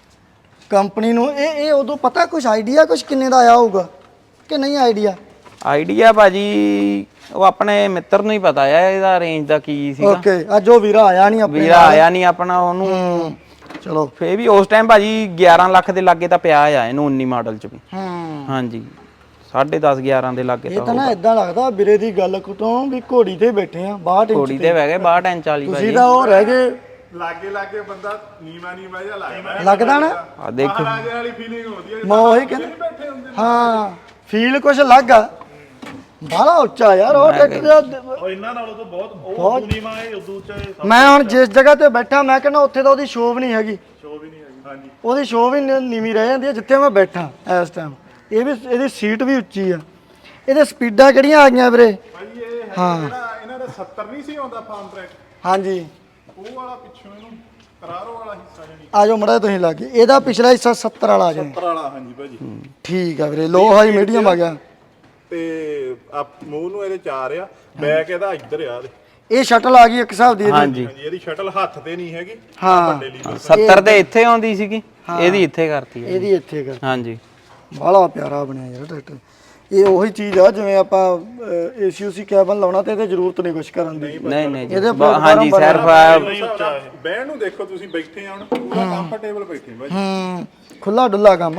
[SPEAKER 1] ਕੰਪਨੀ ਨੂੰ ਇਹ ਇਹ ਉਦੋਂ ਪਤਾ ਕੁਝ ਆਈਡੀਆ ਕੁਝ ਕਿੰਨੇ ਦਾ ਆਇਆ ਹੋਊਗਾ ਕਿ ਨਹੀਂ ਆਈਡੀਆ
[SPEAKER 2] ਆਈਡੀਆ ਭਾਜੀ ਉਹ ਆਪਣੇ ਮਿੱਤਰ ਨੂੰ ਹੀ ਪਤਾ ਆ ਇਹਦਾ ਰੇਂਜ ਦਾ ਕੀ ਸੀਗਾ
[SPEAKER 1] ਓਕੇ ਅੱਜ ਉਹ ਵੀਰਾ ਆਇਆ ਨਹੀਂ ਆਪਣੇ
[SPEAKER 2] ਵੀਰਾ ਆਇਆ ਨਹੀਂ ਆਪਣਾ ਉਹਨੂੰ
[SPEAKER 1] ਚਲੋ
[SPEAKER 2] ਫੇ ਵੀ ਉਸ ਟਾਈਮ ਭਾਜੀ ਗਿਆਰਾਂ ਲੱਖ ਦੇ ਲਾਗੇ ਤਾਂ ਪਿਆ ਆ ਇਹਨੂੰ ਉੱਨੀ ਮਾਡਲ ਚ ਵੀ
[SPEAKER 1] ਹੂੰ
[SPEAKER 2] ਹਾਂਜੀ ਸਾਢੇ ਦਸ ਗਿਆਰਾਂ ਦੇ ਲਾਗੇ
[SPEAKER 1] ਇਹ
[SPEAKER 2] ਤਾਂ
[SPEAKER 1] ਤਾਂ ਨਾ ਇਦਾਂ ਲੱਗਦਾ ਵੀਰੇ ਦੀ ਗੱਲ ਤੋਂ ਵੀ ਘੋੜੀ ਤੇ ਬੈਠੇ ਆ ਬਾਹਠ ਇੰਚ
[SPEAKER 2] ਘੋੜੀ ਤੇ ਬਹਿ ਗਏ ਬਾਹਠ ਇੰਚ ਵਾਲੀ
[SPEAKER 1] ਤੁਸੀਂ
[SPEAKER 2] ਭਾਜੀ
[SPEAKER 1] ਤਾਂ ਉਹ ਰਹਿ ਗਏ
[SPEAKER 3] ਲਾਗੇ ਲਾਗੇ ਬੰਦਾ ਨੀਵਾ ਨੀਵਾ ਜਿਹਾ ਲੱਗਦਾ
[SPEAKER 1] ਲੱਗਦਾ ਨਾ
[SPEAKER 2] ਆ ਦੇਖੋ
[SPEAKER 3] ਰਾਜੇ ਵਾਲੀ ਫੀਲਿੰਗ ਹੁੰਦੀ ਹੈ
[SPEAKER 1] ਮੈਂ ਉਹੀ ਕਹਿੰਦਾ ਹਾਂ ਫੀਲ ਕੁਝ ਅਲੱਗ ਆ ਬਾਹਲਾ ਉੱਚਾ ਯਾਰ ਉਹ ਟਰੈਕਟਰ ਦਾ
[SPEAKER 3] ਉਹ ਇਹਨਾਂ ਨਾਲੋਂ ਤਾਂ ਬਹੁਤ ਉਹ ਨੀਵਾ ਹੈ ਉਦੋਂ ਉੱਚਾ
[SPEAKER 1] ਮੈਂ ਹੁਣ ਜਿਸ ਜਗ੍ਹਾ ਤੇ ਬੈਠਾ ਮੈਂ ਕਹਿੰਦਾ ਉੱਥੇ ਤਾਂ ਉਹਦੀ ਸ਼ੋਅ ਵੀ ਨਹੀਂ ਹੈਗੀ
[SPEAKER 3] ਸ਼ੋ ਵੀ ਨਹੀਂ ਹੈਗੀ ਹਾਂਜੀ
[SPEAKER 1] ਉਹਦੀ ਸ਼ੋਅ ਵੀ ਨੀ- ਨੀਵੀਂ ਰਹਿ ਜਾਂਦੀ ਹੈ ਜਿੱਥੇ ਮੈਂ ਬੈਠਾ ਇਸ ਟਾਈਮ ਇਹ ਵੀ ਇਹਦੀ ਸੀਟ ਵੀ ਉੱਚੀ ਆ ਇਹਦੇ ਸਪੀਡਾਂ ਕਿਹੜੀਆਂ ਆ ਗਈਆਂ ਵੀਰੇ
[SPEAKER 3] ਭਾਈ ਇਹ ਹੈ ਜਿਹੜਾ ਇਹਨਾਂ ਦਾ ਸੱਤਰ ਨਹੀਂ ਸੀ ਆਉਂਦਾ ਫਾਰਮ ਟਰੈਕ
[SPEAKER 1] ਹਾਂਜੀ
[SPEAKER 3] ਉਹ ਵਾਲਾ ਪਿੱਛੋਂ ਇਹਨੂੰ ਕਰਾਰੋ ਵਾਲਾ ਹਿੱਸਾ ਜਿਹੜੀ
[SPEAKER 1] ਆ ਜਾਓ ਮੜਾ ਤੁਸੀਂ ਲਾਗੇ ਇਹਦਾ ਪਿਛਲਾ ਹਿੱਸਾ ਸੱਤਰ ਵਾਲਾ ਆ ਜਾਏ
[SPEAKER 3] ਸੱਤਰ ਵਾਲਾ ਹਾਂਜੀ ਭਾਜੀ
[SPEAKER 1] ਠੀਕ ਆ ਵੀਰੇ ਲੋ ਹਾਈ ਮੀਡੀਅਮ ਆ ਗਿਆ
[SPEAKER 3] ਤੇ ਆ ਮੂੰਹ ਨੂੰ ਇਹਦੇ ਚਾਰ ਆ ਬੈਕ ਇਹਦਾ ਇੱਧਰ ਆ
[SPEAKER 1] ਇਹ ਸ਼ਟਲ ਆ ਗਈ ਇੱਕ ਹਿਸਾਬ ਦੀ ਇਹਦੀ
[SPEAKER 2] ਹਾਂਜੀ
[SPEAKER 3] ਹਾਂਜੀ ਇਹਦੀ ਸ਼ਟਲ ਹੱਥ ਤੇ ਨਹੀਂ ਹੈਗੀ
[SPEAKER 1] ਹਾਂ
[SPEAKER 3] ਵੱਡੇ ਲੀਵਰ
[SPEAKER 2] ਸੱਤਰ ਦੇ ਇੱਥੇ ਆਉਂਦੀ ਸੀਗੀ ਇਹਦੀ ਇੱਥੇ ਕਰਤੀ ਹੈ
[SPEAKER 1] ਇਹਦੀ ਇੱਥੇ ਕਰ
[SPEAKER 2] ਹਾਂਜੀ
[SPEAKER 1] ਬਾਹਲਾ ਪਿਆਰਾ ਬਣਿਆ ਯਾਰ ਟਰੈਕਟਰ ਇਹ ਉਹੀ ਚੀਜ਼ ਆ ਜਿਵੇਂ ਆਪਾਂ ਏਸੀ ਯੂਸੀ ਕੈਬਨ ਲਾਉਣਾ ਤੇ ਇਹਦੇ ਜ਼ਰੂਰਤ ਨਹੀਂ ਕੁਝ ਕਰਨ ਦੀ
[SPEAKER 2] ਨਹੀਂ ਨਹੀਂ ਜੀ
[SPEAKER 1] ਇਹਦੇ
[SPEAKER 2] ਬ- ਹਾਂਜੀ ਸਿਰਫ
[SPEAKER 3] ਬਹਿਣ ਨੂੰ ਦੇਖੋ ਤੁਸੀਂ ਬੈਠੇ ਆ ਹੁਣ ਪੂਰਾ ਕੰਫਰਟੇਬਲ ਬੈਠੇ ਭਾਜੀ
[SPEAKER 1] ਹੂੰ ਖੁੱਲਾ ਡੁੱਲਾ ਕੰਮ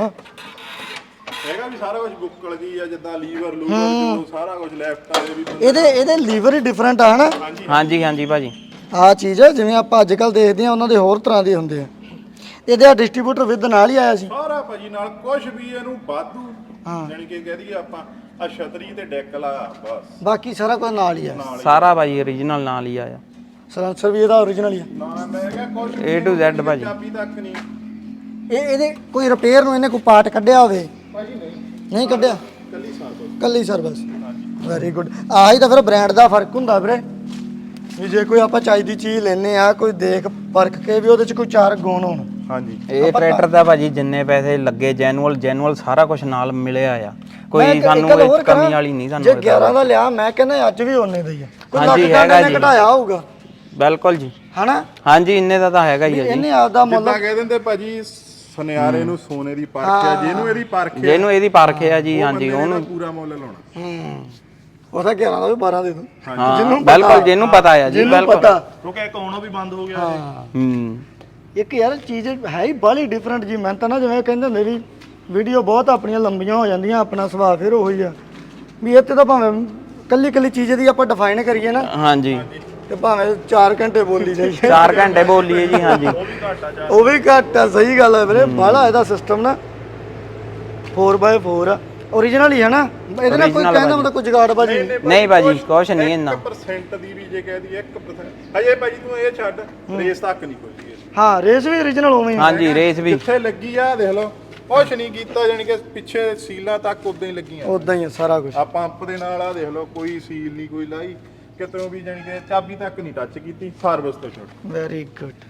[SPEAKER 3] ਹੈਗਾ ਵੀ ਸਾਰਾ ਕੁਝ ਬੁੱਕਲ ਜੀ ਆ ਜਿੱਦਾਂ ਲੀਵਰ ਲੂਵਰ ਜੋ ਸਾਰਾ ਕੁਝ ਲੈਫਟ ਵਾਲੇ ਵੀ
[SPEAKER 1] ਇਹਦੇ ਇਹਦੇ ਲੀਵਰ ਹੀ ਡਿਫਰੈਂਟ ਆ ਹਨਾ
[SPEAKER 2] ਹਾਂਜੀ ਹਾਂਜੀ ਭਾਜੀ
[SPEAKER 1] ਆ ਚੀਜ਼ ਹੈ ਜਿਵੇਂ ਆਪਾਂ ਅੱਜ ਕੱਲ ਦੇਖਦੇ ਆ ਉਹਨਾਂ ਦੇ ਹੋਰ ਤਰ੍ਹਾਂ ਦੇ ਹੁੰਦੇ ਆ। ਇਹਦੇ ਆ ਡਿਸਟ੍ਰੀਬਿਊਟਰ ਵਿਦ ਨਾਲ ਹੀ ਆਇਆ ਸੀ
[SPEAKER 3] ਸਾਰਾ ਭਾਜੀ ਨਾਲ ਕੁਝ ਵੀ ਇਹਨੂੰ ਵਾਧੂ ਜਾਨੀ ਕਿ ਕਹਿ ਦਈਏ ਆਪਾਂ ਆ ਛਤਰੀ ਤੇ ਡੈਕ ਲਾ ਬਸ
[SPEAKER 1] ਬਾਕੀ ਸਾਰਾ ਕੁਝ ਨਾਲ ਹੀ ਆ।
[SPEAKER 2] ਸਾਰਾ ਭਾਜੀ origignal ਨਾਲ ਹੀ ਆਇਆ।
[SPEAKER 1] ਸਲੈਂਸਰ ਵੀ ਇਹਦਾ origignal ਹੀ ਆ।
[SPEAKER 3] ਨਾ ਮੈਂ ਕਿਹਾ ਕੁਝ
[SPEAKER 2] A to Z ਭਾਜੀ।
[SPEAKER 3] ਚਾਬੀ ਤੱਕ ਨਹੀਂ
[SPEAKER 1] ਇਹ ਇਹਦੇ ਕੋਈ ਰਿਪੇਅਰ ਨੂੰ ਇਹਨੇ ਕੋਈ ਪਾਰਟ ਕੱਢਿਆ ਹੋਵੇ?
[SPEAKER 3] ਭਾਜੀ ਨਹੀਂ
[SPEAKER 1] ਨਹੀਂ ਕੱਢਿਆ,
[SPEAKER 3] ਕੱਲੀ ਸਾਥ
[SPEAKER 1] ਕੱਲੀ ਸਰਵਿਸ। Very good. ਆਹੀ ਤਾਂ ਫਿਰ ਬ੍ਰਾਂਡ ਦਾ ਫਰਕ ਹੁੰਦਾ ਵੀਰੇ ਵੀ ਜੇ ਕੋਈ ਆਪਾਂ ਚਾਹੀਦੀ ਚੀਜ਼ ਲੈਨੇ ਆ ਕੋਈ ਦੇਖ ਪਰਖ ਕੇ ਵੀ ਉਹਦੇ ਚ ਕੋਈ ਚਾਰ ਗੁਣ ਹੋਣ।
[SPEAKER 3] ਹਾਂਜੀ
[SPEAKER 2] ਇਹ ਟਰੈਕਟਰ ਦਾ ਭਾਜੀ ਜਿੰਨੇ ਪੈਸੇ ਲੱਗੇ ਜੈਨੂਅਲ ਜੈਨੂਅਲ ਸਾਰਾ ਕੁਝ ਨਾਲ ਮਿਲਿਆ ਆ।
[SPEAKER 1] ਮੈਂ
[SPEAKER 2] ਕੋਈ
[SPEAKER 1] ਇੱਕ
[SPEAKER 2] ਸਾਨੂੰ
[SPEAKER 1] ਗੱਲ
[SPEAKER 2] ਇਹ
[SPEAKER 1] ਹੋਰ
[SPEAKER 2] ਕਮੀ
[SPEAKER 1] ਕਰਾਂ,
[SPEAKER 2] ਵਾਲੀ ਨਹੀਂ
[SPEAKER 1] ਜੇ
[SPEAKER 2] ਸਾਨੂੰ
[SPEAKER 1] ਗਿਆਰਾਂ ਦਾ ਲਿਆ ਮੈਂ ਕਹਿੰਦਾ ਅੱਜ ਵੀ ਉਹਨੇ ਦਾ ਹੀ ਆ। ਕੋਈ ਲੱਖ
[SPEAKER 2] ਹਾਂਜੀ,
[SPEAKER 1] ਦਾ
[SPEAKER 2] ਹੈਗਾ
[SPEAKER 1] ਇਹਨੇ
[SPEAKER 2] ਜੀ।
[SPEAKER 1] ਘਟਾਇਆ ਹੋਊਗਾ
[SPEAKER 2] ਬਿਲਕੁਲ ਜੀ।
[SPEAKER 1] ਹਨਾ?
[SPEAKER 2] ਹਾਂਜੀ ਇੰਨੇ ਦਾ ਤਾਂ ਹੈਗਾ ਹੀ ਆ ਜੀ।
[SPEAKER 1] ਇਹਨੇ ਆਪਦਾ ਮੁੱਲ
[SPEAKER 3] ਜਿੱਦਾਂ ਕਹਿ ਦਿੰਦੇ ਭਾਜੀ ਸੁਨਿਆਰੇ ਨੂੰ ਸੋਨੇ ਦੀ ਪਰਖ ਆ, ਜਿਹਨੂੰ ਇਹਦੀ ਪਰਖ ਆ
[SPEAKER 2] ਜਿਹਨੂੰ ਇਹਦੀ ਪਰਖ ਆ ਜੀ। ਹਾਂਜੀ
[SPEAKER 3] ਉਹਨੂੰ
[SPEAKER 2] ਉਹਨੂੰ
[SPEAKER 3] ਪੂਰਾ ਮੁੱਲ ਲਾਉਣਾ।
[SPEAKER 1] ਹੂੰ ਉਹਦਾ ਗਿਆਰਾਂ ਦਾ ਵੀ ਬਾਰਾਂ ਦੇ ਦੋ
[SPEAKER 2] ਹਾਂ ਬਿਲਕੁਲ ਜਿਹਨੂੰ ਪਤਾ ਆ ਜੀ
[SPEAKER 1] ਜਿਹਨੂੰ
[SPEAKER 2] ਬਿਲਕੁਲ।
[SPEAKER 1] ਪਤਾ।
[SPEAKER 3] ਕਿਉਂਕਿ ਇੱਕ ਆਉਣਾ ਵੀ ਬੰਦ ਹੋ ਗਿਆ
[SPEAKER 1] ਹਾਂ
[SPEAKER 2] ਹੂੰ
[SPEAKER 1] ਇੱਕ ਯਾਰ ਚੀਜ਼ ਹੈ ਹੀ ਬਾਹਲੀ ਡਿਫਰੈਂਟ ਜੀ। ਮੈਂ ਤਾਂ ਨਾ ਜਿਵੇਂ ਕਹਿੰਦੇ ਹੁੰਦੇ ਵੀ ਵੀਡੀਓ ਬਹੁਤ ਆਪਣੀਆਂ ਲੰਬੀਆਂ ਹੋ ਜਾਂਦੀਆਂ, ਆਪਣਾ ਸੁਭਾਅ ਫਿਰ ਉਹੀ ਆ ਵੀ ਇੱਥੇ ਤਾਂ ਭਾਵੇਂ ਕੱਲੀ ਕੱਲੀ ਚੀਜ਼ ਦੀ ਆਪਾਂ ਡਿਫਾਈਨ ਕਰੀਏ ਨਾ
[SPEAKER 2] ਹਾਂਜੀ
[SPEAKER 1] ਤੇ ਭਾਵੇਂ ਚਾਰ ਘੰਟੇ ਬੋਲੀ ਜਾਈਏ।
[SPEAKER 2] ਚਾਰ ਘੰਟੇ ਬੋਲੀਏ ਜੀ। ਹਾਂਜੀ
[SPEAKER 1] ਉਹ ਵੀ ਘੱਟ ਆ। ਸਹੀ ਗੱਲ ਹੈ ਵੀਰੇ। ਬਾਹਲਾ ਇਹਦਾ ਸਿਸਟਮ ਨਾ ਫੋਰ ਬਾਏ ਫੋਰ ਆ origignal ਹੀ ਹੈ ਨਾ। ਇਹਦੇ ਨਾਲ ਕੋਈ ਕਹਿੰਦਾ ਮਤਲਬ ਕੋਈ ਜਗਾੜ ਬਾਜੀ
[SPEAKER 2] ਨਹੀਂ ਭਾਜੀ ਕੁਛ ਨਹੀਂ ਇੰਨਾ।
[SPEAKER 3] ਇੱਕ ਪਰਸੈਂਟ ਦੀ ਵੀ ਜੇ ਕਹਿ ਦਈਏ ਇੱਕ ਪਰਸੈਂਟ ਹਜੇ ਭਾਜੀ ਤੂੰ ਇਹ ਛੱਡ ਰੇਸ ਤੱਕ ਨਹੀਂ ਖੋਲੀ ਇਸ
[SPEAKER 1] ਹਾਂ ਰੇਸ ਵੀ origignal ਉਵੇਂ ਹੀ ਆ।
[SPEAKER 2] ਹਾਂਜੀ ਰੇਸ ਵੀ
[SPEAKER 3] ਜਿੱਥੇ ਲੱਗੀ ਆ ਦੇਖ ਲਓ ਕੁਛ ਨਹੀਂ ਕੀਤਾ ਜਾਨੀ ਕਿ ਪਿੱਛੇ ਸੀਲਾਂ ਤੱਕ ਉਦਾਂ ਹੀ ਲੱਗੀਆਂ।
[SPEAKER 1] ਉਦਾਂ ਹੀ ਆ ਸਾਰਾ ਕੁਝ।
[SPEAKER 3] ਆ ਪੰਪ ਦੇ ਨਾਲ ਆ ਦੇਖ ਲਓ ਕੋਈ ਸੀਲ ਨਹੀਂ ਕੋਈ ਲਾਈ ਕਿਤੋਂ ਵੀ ਜਾਨੀ ਕਿ ਚਾਬੀ ਤੱਕ ਨਹੀਂ ਟੱਚ ਕੀਤੀ ਸਰਵਿਸ ਤੋਂ ਛੁੱਟ।
[SPEAKER 1] Very good.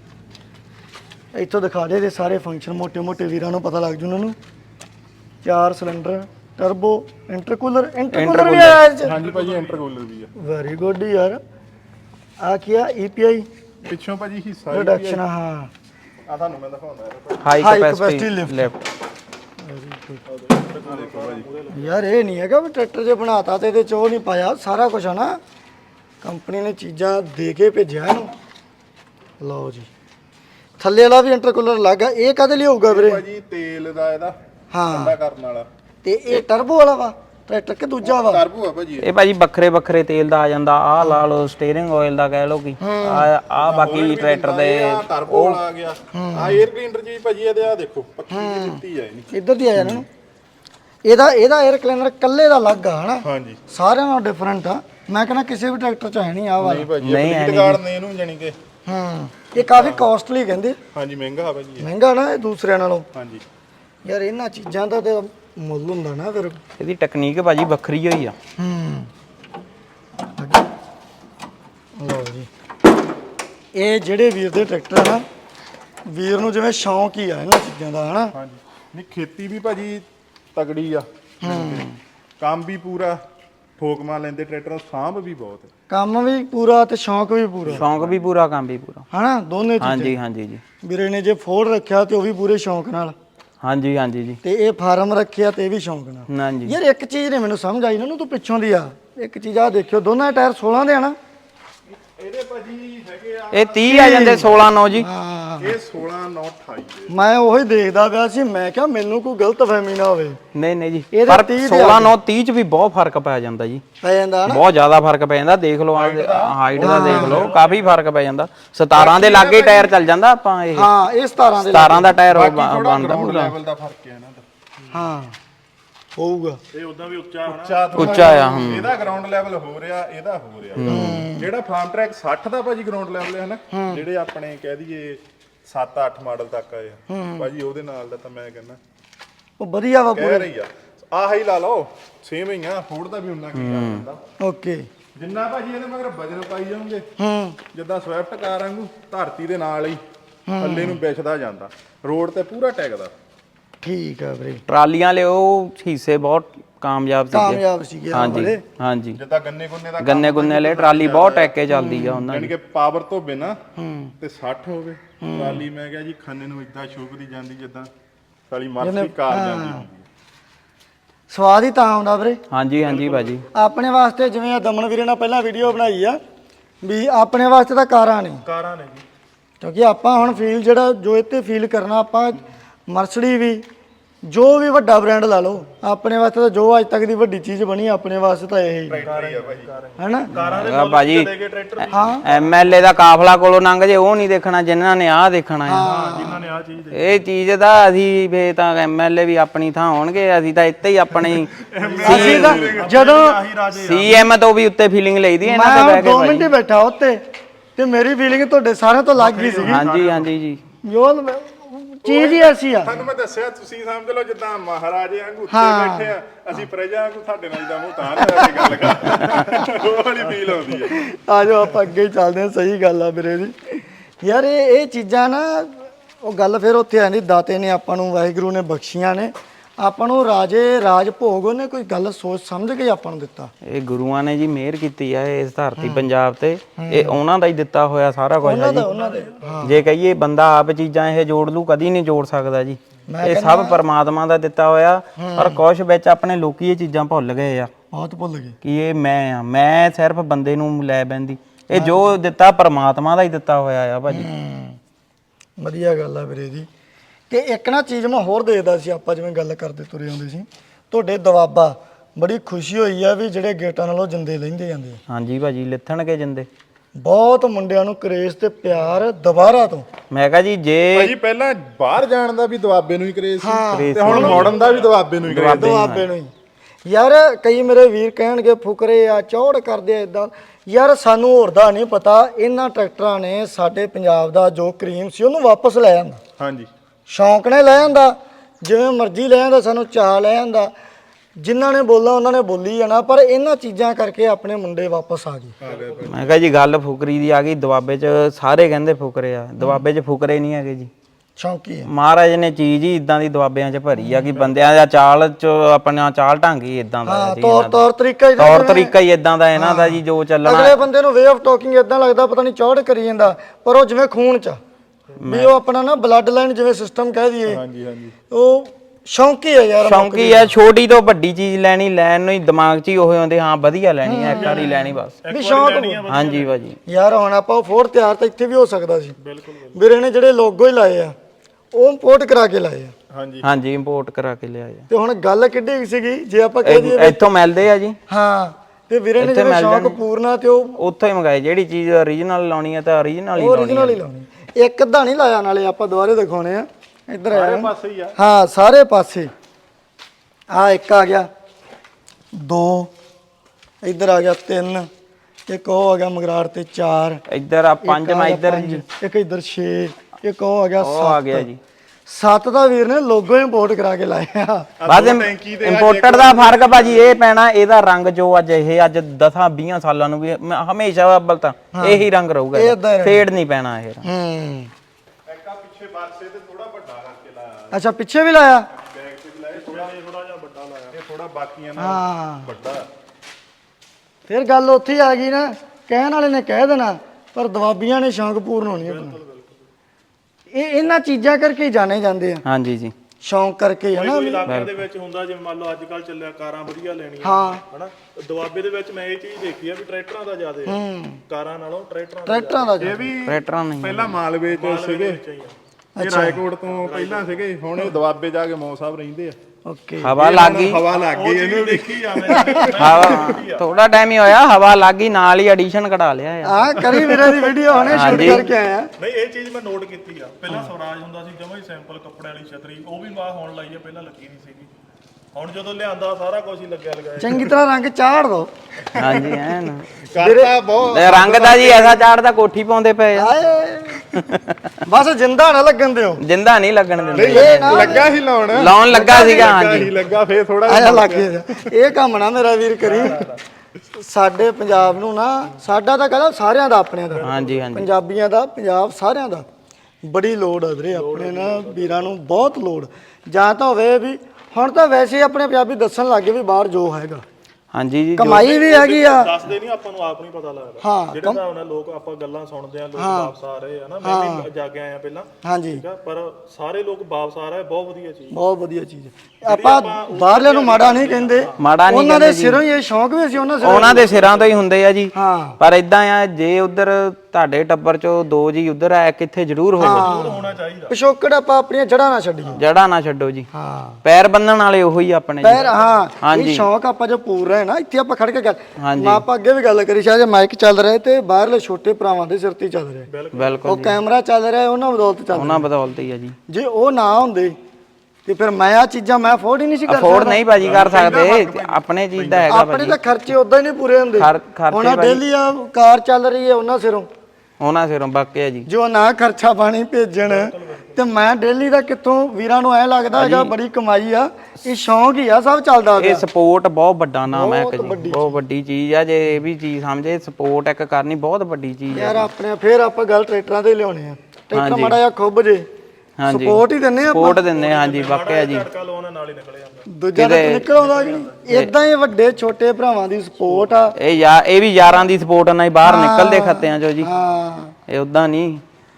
[SPEAKER 1] ਇੱਥੋਂ ਦਿਖਾ ਦੇ ਇਹਦੇ ਸਾਰੇ ਫੰਕਸ਼ਨ ਮੋٹے ਮੋٹے ਵੀਰਾਂ ਨੂੰ ਪਤਾ ਲੱਗ ਜੂ ਉਹਨਾਂ ਨੂੰ। ਚਾਰ ਸਿਲੰਡਰ ਟਰਬੋ ਇੰਟਰਕੂਲਰ ਇੰਟਰਕੂਲਰ ਵੀ ਆਇਆ ਇਹ ਚ।
[SPEAKER 3] ਹਾਂਜੀ ਭਾਜੀ ਇੰਟਰਕੂਲਰ ਵੀ ਆ।
[SPEAKER 1] ਵੈਰੀ ਗੁੱਡ ਯਾਰ। ਆ ਕੀ ਆ ਈਪੀਆਈ
[SPEAKER 3] ਪਿੱਛੋਂ ਭਾਜੀ ਹਿੱਸਾ
[SPEAKER 1] ਪ੍ਰੋਡਕਸ਼ਨ। ਹਾਂ
[SPEAKER 3] ਆ ਤੁਹਾਨੂੰ ਮੈਂ ਦਿਖਾਉਂਦਾ ਯਾਰ।
[SPEAKER 2] High
[SPEAKER 1] High
[SPEAKER 2] capacity
[SPEAKER 1] capacity lift।
[SPEAKER 2] Lift.
[SPEAKER 3] ਆ ਦੇਖੋ ਭਾਜੀ
[SPEAKER 1] ਯਾਰ ਇਹ ਨਹੀਂ ਹੈਗਾ ਵੀ ਟਰੈਕਟਰ ਜੇ ਬਣਾਤਾ ਤੇ ਇਹਦੇ ਚ ਉਹ ਨਹੀਂ ਪਾਇਆ। ਸਾਰਾ ਕੁਝ ਹੈ ਨਾ ਕੰਪਨੀ ਨੇ ਚੀਜ਼ਾਂ ਦੇ ਕੇ ਭੇਜਿਆ ਇਹਨੂੰ। ਲਓ ਜੀ ਥੱਲੇ ਵਾਲਾ ਵੀ ਇੰਟਰਕੂਲਰ ਅਲੱਗ ਆ। ਇਹ ਕਦੇ ਲਈ ਹੋਊਗਾ ਵੀਰੇ?
[SPEAKER 3] ਭਾਜੀ ਤੇਲ ਦਾ ਇਹਦਾ
[SPEAKER 1] ਹਾਂ
[SPEAKER 3] ਠੰਡਾ ਕਰਨ ਵਾਲਾ
[SPEAKER 1] ਤੇ ਇਹ ਟਰਬੋ ਵਾਲਾ ਵਾ ਟਰੈਕਟਰ ਕਿ ਦੂਜਾ ਵਾ?
[SPEAKER 3] ਟਰਬੋ ਆ ਭਾਜੀ
[SPEAKER 2] ਇਹ ਭਾਜੀ ਵੱਖਰੇ ਵੱਖਰੇ ਤੇਲ ਦਾ ਆ ਜਾਂਦਾ। ਆਹ ਲਾ ਲਓ ਸਟੀਅਰਿੰਗ ਆਇਲ ਦਾ ਕਹਿ ਲਓ ਕੀ ਆ ਆ ਬਾਕੀ ਟਰੈਕਟਰ ਦੇ
[SPEAKER 3] ਟਰਬੋ ਵਾਲਾ ਆ ਗਿਆ। ਆ 에ਅਰ ਕਲੀਨਰ ਜੀ ਭਾਜੀ ਇਹਦੇ ਆ ਦੇਖੋ ਪੱਕੀ ਜਿਹੀ ਦਿੱਤੀ ਆ ਇਹਨੀ।
[SPEAKER 1] ਇੱਧਰ ਦੀ ਆ ਜਾਣਾ ਨੂੰ। ਇਹਦਾ ਇਹਦਾ 에ਅਰ ਕਲੀਨਰ ਕੱਲੇ ਦਾ ਅਲੱਗ ਆ ਹਨਾ?
[SPEAKER 3] ਹਾਂਜੀ
[SPEAKER 1] ਸਾਰਿਆਂ ਨਾਲੋਂ ਡਿਫਰੈਂਟ ਆ। ਮੈਂ ਕਹਿੰਦਾ ਕਿਸੇ ਵੀ ਟਰੈਕਟਰ ਚ ਹੈ ਨਹੀਂ ਆ ਵਾਲਾ।
[SPEAKER 3] ਨਹੀਂ ਭਾਜੀ
[SPEAKER 2] ਨਹੀਂ ਹੈ
[SPEAKER 3] ਨਹੀਂ ਗਾਰਡ ਨੇ ਇਹਨੂੰ ਜਾਨੀ ਕਿ
[SPEAKER 1] ਹੂੰ ਇਹ ਕਾਫੀ ਕਾਸਟਲੀ ਕਹਿੰਦੇ।
[SPEAKER 3] ਹਾਂਜੀ ਮਹਿੰਗਾ ਆ ਭਾਜੀ ਇਹ।
[SPEAKER 1] ਮਹਿੰਗਾ ਨਾ ਇਹ ਦੂਸਰਿਆਂ ਨਾਲੋਂ।
[SPEAKER 3] ਹਾਂਜੀ
[SPEAKER 1] ਯਾਰ ਇਹਨਾਂ ਚੀਜ਼ਾਂ ਦਾ ਤੇ ਮੁੱਲ ਹੁੰਦਾ ਨਾ ਫਿਰ।
[SPEAKER 2] ਇਹਦੀ ਟੈਕਨੀਕ ਭਾਜੀ ਵੱਖਰੀ ਹੋਈ ਆ।
[SPEAKER 1] ਹੂੰ ਲਓ ਜੀ ਇਹ ਜਿਹੜੇ ਵੀਰ ਦੇ ਟਰੈਕਟਰ ਆ ਨਾ ਵੀਰ ਨੂੰ ਜਿਵੇਂ ਸ਼ੌਂਕ ਹੀ ਆ ਇਹਨਾਂ ਚੀਜ਼ਾਂ ਦਾ ਹਨਾ?
[SPEAKER 3] ਹਾਂਜੀ ਨਹੀਂ ਖੇਤੀ ਵੀ ਭਾਜੀ ਤਗੜੀ ਆ। ਕੰਮ ਵੀ ਪੂਰਾ ਠੋਕਮਾ ਲੈਂਦੇ ਟਰੈਕਟਰ ਸਾਂਭ ਵੀ ਬਹੁਤ।
[SPEAKER 1] ਕੰਮ ਵੀ ਪੂਰਾ ਤੇ ਸ਼ੌਂਕ ਵੀ ਪੂਰਾ
[SPEAKER 2] ਸ਼ੌਂਕ ਵੀ ਪੂਰਾ ਕੰਮ ਵੀ ਪੂਰਾ।
[SPEAKER 1] ਹਨਾ? ਦੋਨੇ ਚੀਜ਼ਾਂ।
[SPEAKER 2] ਹਾਂਜੀ ਹਾਂਜੀ ਜੀ।
[SPEAKER 1] ਵੀਰੇ ਨੇ ਜੇ ਫੋਰਡ ਰੱਖਿਆ ਤੇ ਉਹ ਵੀ ਪੂਰੇ ਸ਼ੌਂਕ ਨਾਲ
[SPEAKER 2] ਹਾਂਜੀ ਹਾਂਜੀ ਜੀ।
[SPEAKER 1] ਤੇ ਇਹ ਫਾਰਮ ਰੱਖਿਆ ਤੇ ਇਹ ਵੀ ਸ਼ੌਂਕ ਨਾਲ।
[SPEAKER 2] ਹਾਂਜੀ
[SPEAKER 1] ਯਾਰ ਇੱਕ ਚੀਜ਼ ਨੇ ਮੈਨੂੰ ਸਮਝ ਆਈ ਨਾ ਨੂੰ ਤੂੰ ਪਿੱਛੋਂ ਦੀ ਆ ਇੱਕ ਚੀਜ਼ ਆ ਦੇਖਿਓ ਦੋਨਾਂ ਦੇ ਟਾਇਰ ਸੋਲਾਂ ਦੇ ਆ ਨਾ?
[SPEAKER 3] ਇਹਦੇ ਭਾਜੀ ਹੈਗੇ ਆ
[SPEAKER 2] ਇਹ ਤੀਹ ਆ ਜਾਂਦੇ ਸੋਲਾਂ ਨੌ ਜੀ।
[SPEAKER 1] ਹਾਂ
[SPEAKER 3] ਇਹ ਸੋਲਾਂ ਨੌ ਅਠਾਈ ਦੇ।
[SPEAKER 1] ਮੈਂ ਉਹੀ ਦੇਖਦਾ ਪਿਆ ਸੀ। ਮੈਂ ਕਿਹਾ ਮੈਨੂੰ ਕੋਈ ਗਲਤਫਹਿਮੀ ਨਾ ਹੋਵੇ।
[SPEAKER 2] ਨਹੀਂ ਨਹੀਂ ਜੀ
[SPEAKER 1] ਇਹਦੇ
[SPEAKER 2] ਪਰ
[SPEAKER 1] ਤੀਹ ਦੇ
[SPEAKER 2] ਸੋਲਾਂ ਨੌ ਤੀਹ ਚ ਵੀ ਬਹੁਤ ਫਰਕ ਪੈ ਜਾਂਦਾ ਜੀ।
[SPEAKER 1] ਪੈ ਜਾਂਦਾ ਨਾ?
[SPEAKER 2] ਬਹੁਤ ਜ਼ਿਆਦਾ ਫਰਕ ਪੈ ਜਾਂਦਾ। ਦੇਖ ਲਓ ਹਾਈਟ ਦਾ ਦੇਖ ਲਓ ਕਾਫੀ ਫਰਕ ਪੈ ਜਾਂਦਾ। ਸਤਾਰਾਂ ਦੇ ਲਾਗੇ ਟਾਇਰ ਚੱਲ ਜਾਂਦਾ ਆਪਾਂ ਇਹ
[SPEAKER 1] ਹਾਂ ਇਹ ਸਤਾਰਾਂ ਦੇ
[SPEAKER 2] ਸਤਾਰਾਂ ਦਾ ਟਾਇਰ
[SPEAKER 3] ਬਾਕੀ ਥੋੜਾ
[SPEAKER 2] ਬਣਦਾ
[SPEAKER 3] ਗਰਾਊਂਡ
[SPEAKER 2] ਪੂਰਾ।
[SPEAKER 3] ਲੈਵਲ ਦਾ ਫਰਕ ਹੈ ਇਹਨਾਂ ਦਾ।
[SPEAKER 1] ਹਾਂ ਹੋਊਗਾ।
[SPEAKER 3] ਇਹ ਉਦਾਂ ਵੀ ਉੱਚਾ ਹੋਣਾ
[SPEAKER 2] ਉੱਚਾ ਆ। ਹੂੰ
[SPEAKER 3] ਇਹਦਾ ਗਰਾਊਂਡ ਲੈਵਲ ਹੋ ਰਿਹਾ ਇਹਦਾ ਹੋ ਰਿਹਾ। ਜਿਹੜਾ ਫਾਰਮ ਟਰੈਕ ਸੱਠ ਦਾ ਭਾਜੀ ਗਰਾਊਂਡ ਲੈਵਲ ਹੈ ਨਾ ਜਿਹੜੇ ਆਪਣੇ ਕਹਿ ਦਈਏ ਸੱਤ ਅੱਠ ਮਾਡਲ ਤੱਕ ਆਏ ਆ ਭਾਜੀ ਉਹਦੇ ਨਾਲ ਦਾ ਤਾਂ ਮੈਂ ਕਹਿੰਦਾ
[SPEAKER 1] ਉਹ ਵਧੀਆ ਵਾ
[SPEAKER 3] ਕਹਿ ਰਹੀ ਆ। ਆਹ ਹੀ ਲਾ ਲਓ ਸੇਮ ਹੀ ਆ। ਫੋੜ ਦਾ ਵੀ ਉਨਾ ਕੀ ਕਰ ਦਿੰਦਾ
[SPEAKER 1] ਓਕੇ।
[SPEAKER 3] ਜਿੰਨਾ ਭਾਜੀ ਇਹਦੇ ਮਗਰ ਵਜਨ ਪਾਈ ਜਾਓਗੇ
[SPEAKER 1] ਹੂੰ
[SPEAKER 3] ਜਿੱਦਾਂ ਸਵਿਫਟ ਕਾਰ ਵਾਂਗੂ ਧਰਤੀ ਦੇ ਨਾਲ ਹੀ ਥੱਲੇ ਨੂੰ ਵਿਛਦਾ ਜਾਂਦਾ ਰੋਡ ਤੇ ਪੂਰਾ ਟੈਗਦਾ।
[SPEAKER 1] ਠੀਕ ਆ ਵੀਰੇ।
[SPEAKER 2] ਟਰਾਲੀਆਂ ਵਾਲੇ ਉਹ ਹਿੱਸੇ ਬਹੁਤ ਕਾਮਯਾਬ ਸੀਗੇ।
[SPEAKER 1] ਕਾਮਯਾਬ ਸੀਗੇ ਆਹ
[SPEAKER 2] ਹਾਂਜੀ
[SPEAKER 1] ਵਾਲੇ।
[SPEAKER 2] ਹਾਂਜੀ
[SPEAKER 3] ਜਿੱਦਾਂ ਗੰਨੇ ਗੁੰਨੇ ਦਾ
[SPEAKER 2] ਗੰਨੇ ਗੁੰਨੇ ਵਾਲੇ ਟਰਾਲੀ ਬਹੁਤ ਟੈਕ ਕੇ ਚੱਲਦੀ ਆ ਉਹਨਾਂ
[SPEAKER 3] ਯਾਨੀ
[SPEAKER 2] ਦੀ।
[SPEAKER 3] ਕਿ ਪਾਵਰ ਤੋਂ ਬਿਨਾ ਤੇ ਸੱਠ ਹੋਵੇ ਟਰਾਲੀ ਮੈਂ ਕਿਹਾ ਜੀ ਖੰਨੇ ਨੂੰ ਇਦਾਂ ਸ਼ੋਭਦੀ ਜਾਂਦੀ ਜਿੱਦਾਂ ਸਾਲੀ ਮਰਸੀ ਕਾਰ ਜਾਂਦੀ ਹੁੰਦੀ ਹੈ।
[SPEAKER 1] ਸਵਾਦ ਹੀ ਤਾਂ ਆਉਂਦਾ ਵੀਰੇ।
[SPEAKER 2] ਹਾਂਜੀ ਹਾਂਜੀ ਭਾਜੀ।
[SPEAKER 1] ਆਪਣੇ ਵਾਸਤੇ ਜਿਵੇਂ ਆ ਦਮਨ ਵੀਰੇ ਨਾਲ ਪਹਿਲਾਂ ਵੀਡੀਓ ਬਣਾਈ ਆ ਵੀ ਆਪਣੇ ਵਾਸਤੇ ਤਾਂ ਕਾਰਾਂ ਨਹੀਂ
[SPEAKER 3] ਕਾਰਾਂ ਨੇ ਜੀ।
[SPEAKER 1] ਕਿਉਂਕਿ ਆਪਾਂ ਹੁਣ ਫੀਲ ਜਿਹੜਾ ਜੋ ਇੱਥੇ ਫੀਲ ਕਰਨਾ ਆਪਾਂ ਮਰਸਡੀ ਵੀ ਜੋ ਵੀ ਵੱਡਾ ਬ੍ਰਾਂਡ ਲਾ ਲਓ, ਆਪਣੇ ਵਾਸਤੇ ਤਾਂ ਜੋ ਅੱਜ ਤੱਕ ਦੀ ਵੱਡੀ ਚੀਜ਼ ਬਣੀ ਆਪਣੇ ਵਾਸਤੇ ਤਾਂ ਇਹ ਹੀ ਹੈਨਾ।
[SPEAKER 2] ਹੈਗਾ ਭਾਜੀ ਐਮਐਲਏ ਦਾ ਕਾਫਲਾ ਕੋਲੋਂ ਲੰਘ ਜੇ ਉਹ ਨਹੀਂ ਦੇਖਣਾ ਜਿਨ੍ਹਾਂ ਨੇ ਆਹ ਦੇਖਣਾ ਹੈ।
[SPEAKER 4] ਜਿਨ੍ਹਾਂ ਨੇ ਆ ਚੀਜ਼
[SPEAKER 2] ਇਹ ਚੀਜ਼ ਦਾ ਅਸੀਂ ਫੇ ਤਾਂ ਐਮਐਲਏ ਵੀ ਆਪਣੀ ਥਾਂ ਹੋਣਗੇ, ਅਸੀਂ ਤਾਂ ਇੱਥੇ ਹੀ ਆਪਣੀ
[SPEAKER 1] ਅਸੀਂ ਤਾਂ ਜਦੋਂ
[SPEAKER 2] ਸੀਐਮ ਤੋਂ ਵੀ ਉੱਤੇ ਫੀਲਿੰਗ ਲਈਦੀ ਹੈ ਇਹਨਾਂ ਤੇ
[SPEAKER 1] ਮੈਂ
[SPEAKER 2] ਬਹਿ ਕੇ
[SPEAKER 1] ਦੋ ਮਿੰਟ ਹੀ ਬੈਠਾ ਉੱਤੇ ਤੇ ਮੇਰੀ ਫੀਲਿੰਗ ਤੁਹਾਡੇ ਸਾਰਿਆਂ ਤੋਂ ਲੱਗ ਗਈ ਸੀਗੀ।
[SPEAKER 2] ਹਾਂਜੀ ਹਾਂਜੀ ਜੀ
[SPEAKER 1] ਜੋ ਚੀਜ਼ ਹੀ ਐਸੀ ਆ।
[SPEAKER 3] ਤੁਹਾਨੂੰ ਮੈਂ ਦੱਸਿਆ, ਤੁਸੀਂ ਸਮਝ ਲਓ ਜਿੱਦਾਂ ਮਹਾਰਾਜੇ ਵਾਂਗੂ ਉੱਤੇ ਬੈਠੇ ਆ, ਅਸੀਂ ਪ੍ਰਜਾ ਵਾਂਗੂ ਤੁਹਾਡੇ ਨਾਲ ਜਿੱਦਾਂ ਮੂੰਹ ਤਾਂ ਲੈ ਕੇ ਗੱਲ ਕਰ ਉਹ ਵਾਲੀ ਫੀਲ ਆਉਂਦੀ ਹੈ।
[SPEAKER 1] ਆ ਜਾਓ ਆਪਾਂ ਅੱਗੇ ਹੀ ਚੱਲਦੇ ਹਾਂ। ਸਹੀ ਗੱਲ ਆ ਵੀਰੇ ਜੀ। ਯਾਰ ਇਹ ਇਹ ਚੀਜ਼ਾਂ ਨਾ ਉਹ ਗੱਲ ਫਿਰ ਉੱਥੇ ਆਂਦੀ, ਦਾਤੇ ਨੇ ਆਪਾਂ ਨੂੰ ਵਾਹਿਗੁਰੂ ਨੇ ਬਖਸ਼ੀਆਂ ਨੇ, ਆਪਾਂ ਨੂੰ ਰਾਜੇ ਰਾਜ ਭੋਗ ਉਹਨੇ ਕੋਈ ਗੱਲ ਸੋਚ ਸਮਝ ਕੇ ਆਪਾਂ ਨੂੰ ਦਿੱਤਾ।
[SPEAKER 2] ਇਹ ਗੁਰੂਆਂ ਨੇ ਜੀ ਮਿਹਰ ਕੀਤੀ ਆ ਇਸ ਧਰਤੀ ਪੰਜਾਬ ਤੇ, ਇਹ ਉਹਨਾਂ ਦਾ ਹੀ ਦਿੱਤਾ ਹੋਇਆ ਸਾਰਾ ਕੁਝ ਹੈ ਜੀ।
[SPEAKER 1] ਉਹਨਾਂ ਦੇ
[SPEAKER 2] ਜੇ ਕਹੀਏ ਬੰਦਾ ਆਪ ਚੀਜ਼ਾਂ ਇਹ ਜੋੜ ਲੂ ਕਦੀ ਨਹੀਂ ਜੋੜ ਸਕਦਾ ਜੀ, ਇਹ ਸਭ ਪਰਮਾਤਮਾ ਦਾ ਦਿੱਤਾ ਹੋਇਆ। ਪਰ ਕੁਛ ਵਿੱਚ ਆਪਣੇ ਲੋਕੀ ਇਹ ਚੀਜ਼ਾਂ ਭੁੱਲ ਗਏ ਆ,
[SPEAKER 1] ਬਹੁਤ ਭੁੱਲ ਗਏ
[SPEAKER 2] ਕਿ ਇਹ ਮੈਂ ਆ, ਮੈਂ ਸਿਰਫ ਬੰਦੇ ਨੂੰ ਲੈ ਬੈਂਦੀ। ਇਹ ਜੋ ਦਿੱਤਾ ਪਰਮਾਤਮਾ ਦਾ ਹੀ ਦਿੱਤਾ ਹੋਇਆ ਆ ਭਾਜੀ।
[SPEAKER 1] ਵਧੀਆ ਗੱਲ ਆ ਵੀਰੇ ਜੀ। ਤੇ ਇੱਕ ਨਾ ਚੀਜ਼ ਮੈਂ ਹੋਰ ਦੇਖਦਾ ਸੀ, ਆਪਾਂ ਜਿਵੇਂ ਗੱਲ ਕਰਦੇ ਤੁਰੇ ਆਉਂਦੇ ਸੀ, ਤੁਹਾਡੇ ਦਵਾਬਾ ਬੜੀ ਖੁਸ਼ੀ ਹੋਈ ਆ ਵੀ ਜਿਹੜੇ ਗੇਟਾਂ ਨਾਲੋਂ ਜਿੰਦੇ ਲੈਂਦੇ ਜਾਂਦੇ ਆ।
[SPEAKER 2] ਹਾਂਜੀ ਭਾਜੀ ਲਿਥਣਗੇ ਜਿੰਦੇ।
[SPEAKER 1] ਬਹੁਤ ਮੁੰਡਿਆਂ ਨੂੰ ਕਰੇਜ਼ ਤੇ ਪਿਆਰ ਦੁਬਾਰਾ ਤੋਂ।
[SPEAKER 2] ਮੈਂ ਕਹਾਂ ਜੀ ਜੇ
[SPEAKER 3] ਭਾਜੀ ਪਹਿਲਾਂ ਬਾਹਰ ਜਾਣ ਦਾ ਵੀ ਦੁਆਬੇ ਨੂੰ ਹੀ ਕਰੇਜ਼ ਸੀ, ਤੇ ਹੁਣ ਮਾਡਰਨ ਦਾ ਵੀ ਦੁਆਬੇ ਨੂੰ ਹੀ ਕਰੇਜ਼।
[SPEAKER 1] ਦੁਆਬੇ ਨੂੰ ਹੀ ਯਾਰ ਕਈ ਮੇਰੇ ਵੀਰ ਕਹਿਣਗੇ ਫੁਕਰੇ ਆ, ਚੌੜ ਕਰਦੇ ਆ ਇਦਾਂ। ਯਾਰ ਸਾਨੂੰ ਹੋਰ ਦਾ ਨਹੀਂ ਪਤਾ, ਇਹਨਾਂ ਟਰੈਕਟਰਾਂ ਨੇ ਸਾਡੇ ਪੰਜਾਬ ਦਾ ਜੋ ਕਰੀਮ ਸੀ ਉਹਨੂੰ ਵਾਪਸ ਲੈ ਆਂਦਾ।
[SPEAKER 3] ਹਾਂਜੀ
[SPEAKER 1] ਸ਼ੌਂਕ ਨੇ ਲੈ ਆਂਦਾ, ਜਿਵੇਂ ਮਰਜ਼ੀ ਲੈ ਆਂਦਾ, ਸਾਨੂੰ ਚਾਹ ਲੈ ਆਂਦਾ। ਜਿਨ੍ਹਾਂ ਨੇ ਬੋਲਣਾ ਉਹਨਾਂ ਨੇ ਬੋਲੀ ਜਾਣਾ, ਪਰ ਇਹਨਾਂ ਚੀਜ਼ਾਂ ਕਰਕੇ ਆਪਣੇ ਮੁੰਡੇ ਵਾਪਸ ਆ ਗਏ।
[SPEAKER 2] ਮੈਂ ਕਹਾਂ ਜੀ ਗੱਲ ਫੁਕਰੀ ਦੀ ਆ ਗਈ। ਦੁਆਬੇ 'ਚ ਸਾਰੇ ਕਹਿੰਦੇ ਫੁਕਰੇ ਆ, ਦੁਆਬੇ 'ਚ ਫੁਕਰੇ ਨਹੀਂ ਹੈਗੇ ਜੀ।
[SPEAKER 1] ਸ਼ੌਂਕੀ ਹੈ
[SPEAKER 2] ਮਹਾਰਾਜ ਨੇ ਚੀਜ਼ ਹੀ ਇਦਾਂ ਦੀ ਦੁਆਬਿਆਂ 'ਚ ਭਰੀ ਆ ਕਿ ਬੰਦਿਆਂ ਦਾ ਚਾਲ 'ਚ ਆਪਣਾ ਚਾਲ ਢੰਗ ਹੀ ਇਦਾਂ ਦਾ ਹੈ ਜੀ।
[SPEAKER 1] ਤੌਰ ਤੌਰ ਤਰੀਕਾ ਹੀ
[SPEAKER 2] ਤੌਰ ਤਰੀਕਾ ਹੀ ਇਦਾਂ ਦਾ ਇਹਨਾਂ ਦਾ ਜੀ, ਜੋ ਚੱਲਣਾ।
[SPEAKER 1] ਅਗਲੇ ਬੰਦੇ ਨੂੰ ਵੇ ਆਫ ਟਾਕਿੰਗ ਇਦਾਂ ਲੱਗਦਾ ਪਤਾ ਨਹੀਂ ਚੌੜ ਕਰੀ ਜਾਂਦਾ, ਪਰ ਉਹ ਜਿਵੇਂ ਖੂਨ 'ਚ ਵੀ ਉਹ ਆਪਣਾ ਨਾ ਬਲੱਡ ਲਾਈਨ ਜਿਵੇਂ ਸਿਸਟਮ ਕਹਿ ਦਈਏ,
[SPEAKER 3] ਹਾਂਜੀ ਹਾਂਜੀ
[SPEAKER 1] ਉਹ ਸ਼ੌਂਕੀ ਹੈ ਯਾਰ।
[SPEAKER 2] ਸ਼ੌਂਕੀ ਆ, ਛੋਟੀ ਤੋਂ ਵੱਡੀ ਚੀਜ਼ ਲੈਣੀ, ਲੈਣ ਨੂੰ ਹੀ ਦਿਮਾਗ 'ਚ ਹੀ ਉਹ ਹੁੰਦੇ, ਹਾਂ ਵਧੀਆ ਲੈਣੀ ਹੈ, ਇੱਕ ਵਾਰੀ ਲੈਣੀ ਬਸ।
[SPEAKER 1] ਵੀ ਸ਼ੌਂਕ
[SPEAKER 2] ਹਾਂਜੀ ਭਾਜੀ।
[SPEAKER 1] ਯਾਰ ਹੁਣ ਆਪਾਂ ਫੋਰ ਤਿਆਰ ਤਾਂ ਇੱਥੇ ਵੀ ਹੋ ਸਕਦਾ ਸੀ। ਵੀਰੇ ਨੇ ਜਿਹੜੇ ਲੋਗੋ ਹੀ ਲਾਏ ਆ ਉਹ ਇੰਪੋਰਟ ਕਰਾ ਕੇ ਲਾਏ ਆ।
[SPEAKER 3] ਹਾਂਜੀ
[SPEAKER 2] ਹਾਂਜੀ ਇੰਪੋਰਟ ਕਰਾ ਕੇ ਲਿਆ ਜੀ।
[SPEAKER 1] ਤੇ ਹੁਣ ਗੱਲ ਕਿੱਡੀ ਸੀਗੀ ਜੇ ਆਪਾਂ ਕਹਿ ਦਈਏ
[SPEAKER 2] ਇੱਥੋਂ ਮਿਲਦੇ ਆ ਜੀ।
[SPEAKER 1] ਹਾਂ, ਤੇ ਵੀਰੇ ਨੇ ਜਿਹੜਾ ਸ਼ੌਂਕ ਪੂਰਨਾ ਤੇ ਉਹ
[SPEAKER 2] ਉੱਥੋਂ ਹੀ ਮੰਗਾਏ। ਜਿਹੜੀ ਚੀਜ਼ ਓਰੀਜਨਲ ਲਾਉਣੀ ਹੈ ਤਾਂ ਓਰੀਜਨਲ ਹੀ ਲਾਉਣੀ
[SPEAKER 1] ਓਰੀਜਨਲ ਹੀ ਲਾਉਣੀ। ਇੱਕ ਅੱਧਾ ਨਹੀਂ ਲਾਇਆ, ਨਾਲੇ ਆਪਾਂ ਦੁਬਾਰੇ ਦਿਖਾਉਣੇ ਆ। ਇੱਧਰ ਆ
[SPEAKER 3] ਸਾਰੇ ਪਾਸੇ ਹੀ ਆ।
[SPEAKER 1] ਹਾਂ ਸਾਰੇ ਪਾਸੇ। ਆ ਇੱਕ ਆ ਗਿਆ, ਦੋ ਇੱਧਰ ਆ ਗਿਆ, ਤਿੰਨ ਇੱਕ ਉਹ ਆ ਗਿਆ ਮਗਰਾੜ ਤੇ ਚਾਰ,
[SPEAKER 2] ਇੱਧਰ ਆ ਪੰਜ ਮੈਂ ਇੱਧਰ ਜੀ,
[SPEAKER 1] ਇੱਕ ਇੱਧਰ ਛੇ, ਇੱਕ ਉਹ ਆ ਗਿਆ
[SPEAKER 2] ਉਹ ਆ ਗਿਆ ਜੀ
[SPEAKER 1] ਸੱਤ। ਦਾ ਵੀਰ ਨੇ ਲੋਗੋ ਇੰਪੋਰਟ ਕਰਾ ਕੇ ਲਾਏ ਆ।
[SPEAKER 2] ਬਸ ਇੰਪੋਰਟਰ ਦਾ ਫਰਕ ਭਾਜੀ ਇਹ ਪੈਣਾ, ਇਹਦਾ ਰੰਗ ਜੋ ਅੱਜ ਇਹ ਅੱਜ ਦਸਾਂ ਵੀਹਾਂ ਸਾਲਾਂ ਨੂੰ ਵੀ ਮੈਂ ਹਮੇਸ਼ਾ ਅੱਬਲ ਤਾਂ ਇਹੀ ਰੰਗ ਰਹੂਗਾ, ਫੇਡ ਨਹੀਂ ਪੈਣਾ ਇਹ।
[SPEAKER 1] ਹੂੰ
[SPEAKER 3] ਇੱਕ ਆ ਪਿੱਛੇ ਬਾਕਸੇ ਤੇ ਥੋੜਾ ਵੱਡਾ ਕਰਕੇ ਲਾਇਆ,
[SPEAKER 1] ਅੱਛਾ ਪਿੱਛੇ ਵੀ ਲਾਇਆ।
[SPEAKER 3] ਬੈਕ ਤੇ ਵੀ ਲਾਇਆ, ਥੋੜਾ ਥੋੜਾ ਜਿਹਾ ਵੱਡਾ ਲਾਇਆ, ਇਹ ਥੋੜਾ ਬਾਕੀਆਂ ਨਾਲ
[SPEAKER 1] ਹਾਂ
[SPEAKER 3] ਵੱਡਾ।
[SPEAKER 1] ਫਿਰ ਗੱਲ ਉੱਥੇ ਆ ਗਈ ਨਾ, ਕਹਿਣ ਵਾਲੇ ਨੇ ਕਹਿ ਦੇਣਾ ਪਰ ਦਵਾਬੀਆਂ ਨੇ ਸ਼ੌਂਕ ਪੂਰਨ ਹੋਣੀ ਆਪਣਾ। ਇਹ ਇਹਨਾਂ ਚੀਜ਼ਾਂ ਕਰਕੇ ਹੀ ਜਾਣੇ ਜਾਂਦੇ ਆ।
[SPEAKER 2] ਹਾਂਜੀ ਜੀ
[SPEAKER 1] ਸ਼ੌਂਕ ਕਰਕੇ ਹੈ ਨਾ।
[SPEAKER 4] ਕੋਈ ਇਲਾਕਿਆਂ ਦੇ ਵਿੱਚ ਹੁੰਦਾ, ਜਿਵੇਂ ਮੰਨ ਲਓ ਅੱਜ ਕੱਲ ਚੱਲਿਆ ਕਾਰਾਂ ਵਧੀਆ ਲੈਣੀਆਂ
[SPEAKER 1] ਹਾਂ
[SPEAKER 4] ਹਨਾ। ਦੁਆਬੇ ਦੇ ਵਿੱਚ ਮੈਂ ਇਹ ਚੀਜ਼ ਦੇਖੀ ਆ ਵੀ ਟਰੈਕਟਰਾਂ ਦਾ ਜ਼ਿਆਦਾ ਹੈ ਕਾਰਾਂ ਨਾਲੋਂ ਟਰੈਕਟਰਾਂ ਦਾ।
[SPEAKER 1] ਟਰੈਕਟਰਾਂ ਦਾ
[SPEAKER 3] ਇਹ ਵੀ
[SPEAKER 2] ਟਰੈਕਟਰਾਂ ਨਹੀਂ
[SPEAKER 3] ਪਹਿਲਾਂ ਮਾਲਵੇ ਚ ਸੀਗੇ, ਇਹ ਰਾਏਕੋਟ ਤੋਂ ਪਹਿਲਾਂ ਸੀਗੇ, ਹੁਣ ਇਹ ਦੁਆਬੇ ਜਾ ਕੇ ਮੌ ਸਾਹਿਬ ਰਹਿੰਦੇ ਆ।
[SPEAKER 1] ਓਕੇ
[SPEAKER 2] ਹਵਾ ਲੱਗ ਗਈ,
[SPEAKER 3] ਹਵਾ ਲੱਗ ਗਈ ਇਹਨੂੰ।
[SPEAKER 4] ਦੇਖੀ ਆ ਮੈਂ
[SPEAKER 2] ਹਵਾ ਥੋੜਾ ਟਾਈਮ ਹੀ ਹੋਇਆ, ਹਵਾ ਲੱਗ ਗਈ, ਨਾਲ ਹੀ ਐਡੀਸ਼ਨ ਕਢਾ ਲਿਆ ਆ।
[SPEAKER 1] ਆ ਕਰੀ ਵੀਰੇ ਦੀ ਵੀਡੀਓ ਹੁਣੇ ਸ਼ੂਟ ਕਰਕੇ ਆਏ ਆ।
[SPEAKER 4] ਨਹੀਂ ਇਹ ਚੀਜ਼ ਮੈਂ ਨੋਟ ਕੀਤੀ ਆ। ਪਹਿਲਾਂ ਸਵਰਾਜ ਹੁੰਦਾ ਸੀ ਜਮਾ ਹੀ ਸਿੰਪਲ ਕੱਪੜਿਆਂ ਵਾਲੀ ਛਤਰੀ, ਉਹ ਵੀ ਮਾ ਹੁਣ ਲਾਈ ਆ, ਪਹਿਲਾਂ ਲੱਗੀ ਨਹੀਂ ਸੀਗੀ। ਹੁਣ ਜਦੋਂ ਲਿਆਂਦਾ ਸਾਰਾ ਕੁਝ ਹੀ ਲੱਗਿਆ ਲਗਾਇਆ।
[SPEAKER 1] ਚੰਗੀ ਤਰ੍ਹਾਂ ਰੰਗ ਚਾੜ ਦੋ।
[SPEAKER 2] ਹਾਂਜੀ ਐਨ
[SPEAKER 3] ਕਰਤਾ ਬਹੁਤ
[SPEAKER 2] ਰੰਗ ਦਾ ਜੀ ਐਸਾ ਚਾੜਦਾ ਕੋਠੀ ਪਾਉਂਦੇ ਪਏ ਆ।
[SPEAKER 1] ਆਏ ਬਸ ਜਿੰਦਾ ਨਾ ਲੱਗਣ ਦਿਓ।
[SPEAKER 2] ਜਿੰਦਾ ਨਹੀਂ ਲੱਗਣ ਦਿੰਦੇ।
[SPEAKER 3] ਲੱਗਾ ਸੀ ਲਾਉਣ
[SPEAKER 2] ਲਾਉਣ ਲੱਗਾ ਸੀਗਾ। ਹਾਂਜੀ
[SPEAKER 3] ਲੱਗਾ, ਫੇਰ ਥੋੜਾ
[SPEAKER 1] ਆਇਆ ਲੱਗ ਗਿਆ। ਇਹ ਕੰਮ ਨਾ ਮੇਰਾ ਵੀਰ ਕਰੀ। ਸਾਡੇ ਪੰਜਾਬ ਨੂੰ ਨਾ, ਸਾਡਾ ਤਾਂ ਕਹਿੰਦਾ ਸਾਰਿਆਂ ਦਾ, ਆਪਣਿਆਂ ਦਾ,
[SPEAKER 2] ਹਾਂਜੀ ਹਾਂਜੀ
[SPEAKER 1] ਪੰਜਾਬੀਆਂ ਦਾ, ਪੰਜਾਬ ਸਾਰਿਆਂ ਦਾ ਬੜੀ ਲੋੜ ਆ ਵੀਰੇ। ਆਪਣੇ ਨਾ ਵੀਰਾਂ ਨੂੰ ਬਹੁਤ ਲੋੜ। ਜਾਂ ਤਾਂ ਹੋਵੇ ਵੀ ਹੁਣ ਤਾਂ ਵੈਸੇ ਆਪਣੇ ਪੰਜਾਬੀ ਦੱਸਣ ਲੱਗ ਗਏ ਵੀ ਬਾਹਰ ਜੋ ਹੈਗਾ
[SPEAKER 2] ਹਾਂਜੀ ਜੀ
[SPEAKER 1] ਕਮਾਈ ਵੀ ਹੈਗੀ ਆ।
[SPEAKER 4] ਦੱਸਦੇ ਨਹੀਂ, ਆਪਾਂ ਨੂੰ ਆਪ ਨਹੀਂ ਪਤਾ ਲੱਗਦਾ।
[SPEAKER 1] ਹਾਂ
[SPEAKER 4] ਜਿਹੜੇ ਹਿਸਾਬ ਨਾਲ ਲੋਕ ਆਪਾਂ ਗੱਲਾਂ ਸੁਣਦੇ ਆ, ਲੋਕ ਵਾਪਸ ਆ ਰਹੇ ਆ ਨਾ। ਮੈਂ ਵੀ ਜਾ ਕੇ ਆਇਆ ਪਹਿਲਾਂ,
[SPEAKER 1] ਹਾਂਜੀ
[SPEAKER 4] ਠੀਕ ਆ, ਪਰ ਸਾਰੇ ਲੋਕ ਵਾਪਸ ਆ ਰਹੇ। ਬਹੁਤ ਵਧੀਆ ਚੀਜ਼,
[SPEAKER 1] ਬਹੁਤ ਵਧੀਆ ਚੀਜ਼ ਹੈ। ਆਪਾਂ ਬਾਹਰਲਿਆਂ ਨੂੰ ਮਾੜਾ ਨਹੀਂ ਕਹਿੰਦੇ,
[SPEAKER 2] ਮਾੜਾ ਨਹੀਂ
[SPEAKER 1] ਉਹਨਾਂ ਦੇ ਸਿਰੋਂ ਹੀ ਇਹ ਸ਼ੌਂਕ ਵੀ ਸੀ, ਉਹਨਾਂ ਸਿਰੋਂ
[SPEAKER 2] ਉਹਨਾਂ ਦੇ ਸਿਰਾਂ ਤੋਂ ਹੀ ਹੁੰਦੇ ਆ ਜੀ।
[SPEAKER 1] ਹਾਂ
[SPEAKER 2] ਪਰ ਇਦਾਂ ਆ ਜੇ ਉਧਰ ਤੁਹਾਡੇ ਟੱਬਰ ਚੋਂ ਦੋ ਜੀ ਉਧਰ ਆ ਕਿੱਥੇ ਜ਼ਰੂਰ ਹੋਵੇ
[SPEAKER 4] ਜ਼ਰੂਰ ਹੋਣਾ ਚਾਹੀਦਾ।
[SPEAKER 1] ਪਿਛੋਕੜ ਆਪਾਂ ਆਪਣੀਆਂ ਜੜ੍ਹਾਂ ਨਾ ਛੱਡੀਏ।
[SPEAKER 2] ਜੜਾ ਨਾ ਛੱਡੋ ਜੀ।
[SPEAKER 1] ਹਾਂ
[SPEAKER 2] ਪੈਰ ਬੰਨਣ ਵਾਲੇ ਉਹੀ ਆਪਣੇ ਜੀ।
[SPEAKER 1] ਪੈਰ ਹਾਂ
[SPEAKER 2] ਹਾਂਜੀ।
[SPEAKER 1] ਇਹ ਸ਼ੌਂਕ ਆਪਾਂ ਜੋ ਪੂਰ ਰਹੇ ਨਾ ਇੱਥੇ ਆਪਾਂ ਖੜ ਕੇ ਗੱਲ
[SPEAKER 2] ਹਾਂਜੀ।
[SPEAKER 1] ਮੈਂ ਆਪਾਂ ਅੱਗੇ ਵੀ ਗੱਲ ਕਰੀ ਸ਼ਾਇਦ ਮਾਈਕ ਚੱਲ ਰਿਹਾ ਤੇ ਬਾਹਰਲੇ ਛੋਟੇ ਭਰਾਵਾਂ ਦੇ ਸਿਰ ਤੇ ਹੀ ਚੱਲ ਰਿਹਾ।
[SPEAKER 2] ਬਿਲਕੁਲ
[SPEAKER 1] ਉਹ ਕੈਮਰਾ ਚੱਲ ਰਿਹਾ ਉਹਨਾਂ ਬਦੌਲਤ ਚੱਲ
[SPEAKER 2] ਉਹਨਾਂ ਬਦੌਲਤ ਹੀ ਆ ਜੀ।
[SPEAKER 1] ਜੇ ਉਹ ਨਾ ਹੁੰਦੇ ਤੇ ਫਿਰ ਮੈਂ ਆ ਚੀਜ਼ਾਂ ਮੈਂ ਅਫੋਰਡ ਹੀ ਨਹੀਂ ਸੀ ਕਰ
[SPEAKER 2] ਅਫੋਰਡ
[SPEAKER 1] ਸਕਦਾ।
[SPEAKER 2] ਨਹੀਂ ਭਾਜੀ ਕਰ ਸਕਦੇ ਆਪਣੇ ਚੀਜ਼ ਦਾ ਹੈਗਾ
[SPEAKER 1] ਆਪਣੇ
[SPEAKER 2] ਭਾਜੀ।
[SPEAKER 1] ਤਾਂ ਖਰਚੇ ਉਦਾਂ ਹੀ ਨਹੀਂ ਪੂਰੇ ਹੁੰਦੇ।
[SPEAKER 2] ਖਰ- ਖਰਚੇ
[SPEAKER 1] ਹੁਣ
[SPEAKER 2] ਭਾਜੀ।
[SPEAKER 1] ਡੇਲੀ ਆ ਕਾਰ ਚੱਲ ਰਹੀ ਹੈ ਉਹਨਾਂ ਸਿਰੋਂ
[SPEAKER 2] ਉਹਨਾਂ ਸਿਰੋਂ ਬਾਕੀ ਜੀ।
[SPEAKER 1] ਜੋ ਨਾ ਖਰਚਾ ਪਾਣੀ ਭੇਜਣ ਤੇ ਮੈਂ ਡੇਲੀ ਦਾ ਕਿੱਥੋਂ ਵੀਰਾਂ ਨੂੰ ਐ ਲੱਗਦਾ ਹੈਗਾ ਬੜੀ ਕਮਾਈ ਆ। ਇਹ ਸ਼ੌਂਕ ਹੀ ਆ ਸਭ ਚੱਲਦਾ
[SPEAKER 2] ਇਹ ਸਪੋਰਟ ਬਹੁਤ ਵੱਡਾ ਨਾਮ ਹੈ ਇੱਕ
[SPEAKER 1] ਬਹੁਤ
[SPEAKER 2] ਜੀ
[SPEAKER 1] ਵੱਡੀ
[SPEAKER 2] ਬਹੁਤ ਵੱਡੀ ਚੀਜ਼ ਆ। ਜੇ ਇਹ ਵੀ ਚੀਜ਼ ਸਮਝੇ ਸਪੋਰਟ ਇੱਕ ਕਰਨੀ ਬਹੁਤ ਵੱਡੀ ਚੀਜ਼
[SPEAKER 1] ਯਾਰ
[SPEAKER 2] ਹੈ।
[SPEAKER 1] ਆਪਣੇ ਫੇਰ ਆਪਾਂ ਗੱਲ ਟਰੈਕਟਰਾਂ ਤੇ ਲਿਆਉਣੇ ਆ। ਟਰੈਕਟਰ ਮਾੜਾ ਜਿਹਾ ਖੁੱਬ ਜੇ
[SPEAKER 2] ਹਾਂਜੀ
[SPEAKER 1] ਸਪੋਰਟ ਹੀ ਦਿੰਨੇ ਆ
[SPEAKER 2] ਸਪੋਰਟ ਦਿੰਦੇ ਹਾਂ ਜੀ ਵਾਕਿਆ ਜੀ।
[SPEAKER 4] ਝਟਕਾ ਲਾਉਣ ਨਾਲ ਹੀ ਨਿਕਲ ਜਾਂਦਾ।
[SPEAKER 1] ਦੂਜਾ ਤਾਂ ਨਿਕਲ ਆਉਂਦਾ ਕਿ ਨਹੀਂ। ਇਦਾਂ ਹੀ ਵੱਡੇ ਛੋਟੇ ਭਰਾਵਾਂ ਦੀ ਸਪੋਰਟ ਆ।
[SPEAKER 2] ਇਹ ਯਾ ਇਹ ਵੀ ਯਾਰਾਂ ਦੀ ਸਪੋਰਟ ਨਾਲ ਹੀ ਬਾਹਰ ਨਿਕਲਦੇ ਖੱਤਿਆਂ ਚੋਂ ਜੀ।
[SPEAKER 1] ਹਾਂ
[SPEAKER 2] ਇਹ ਉਦਾਂ ਨਹੀਂ।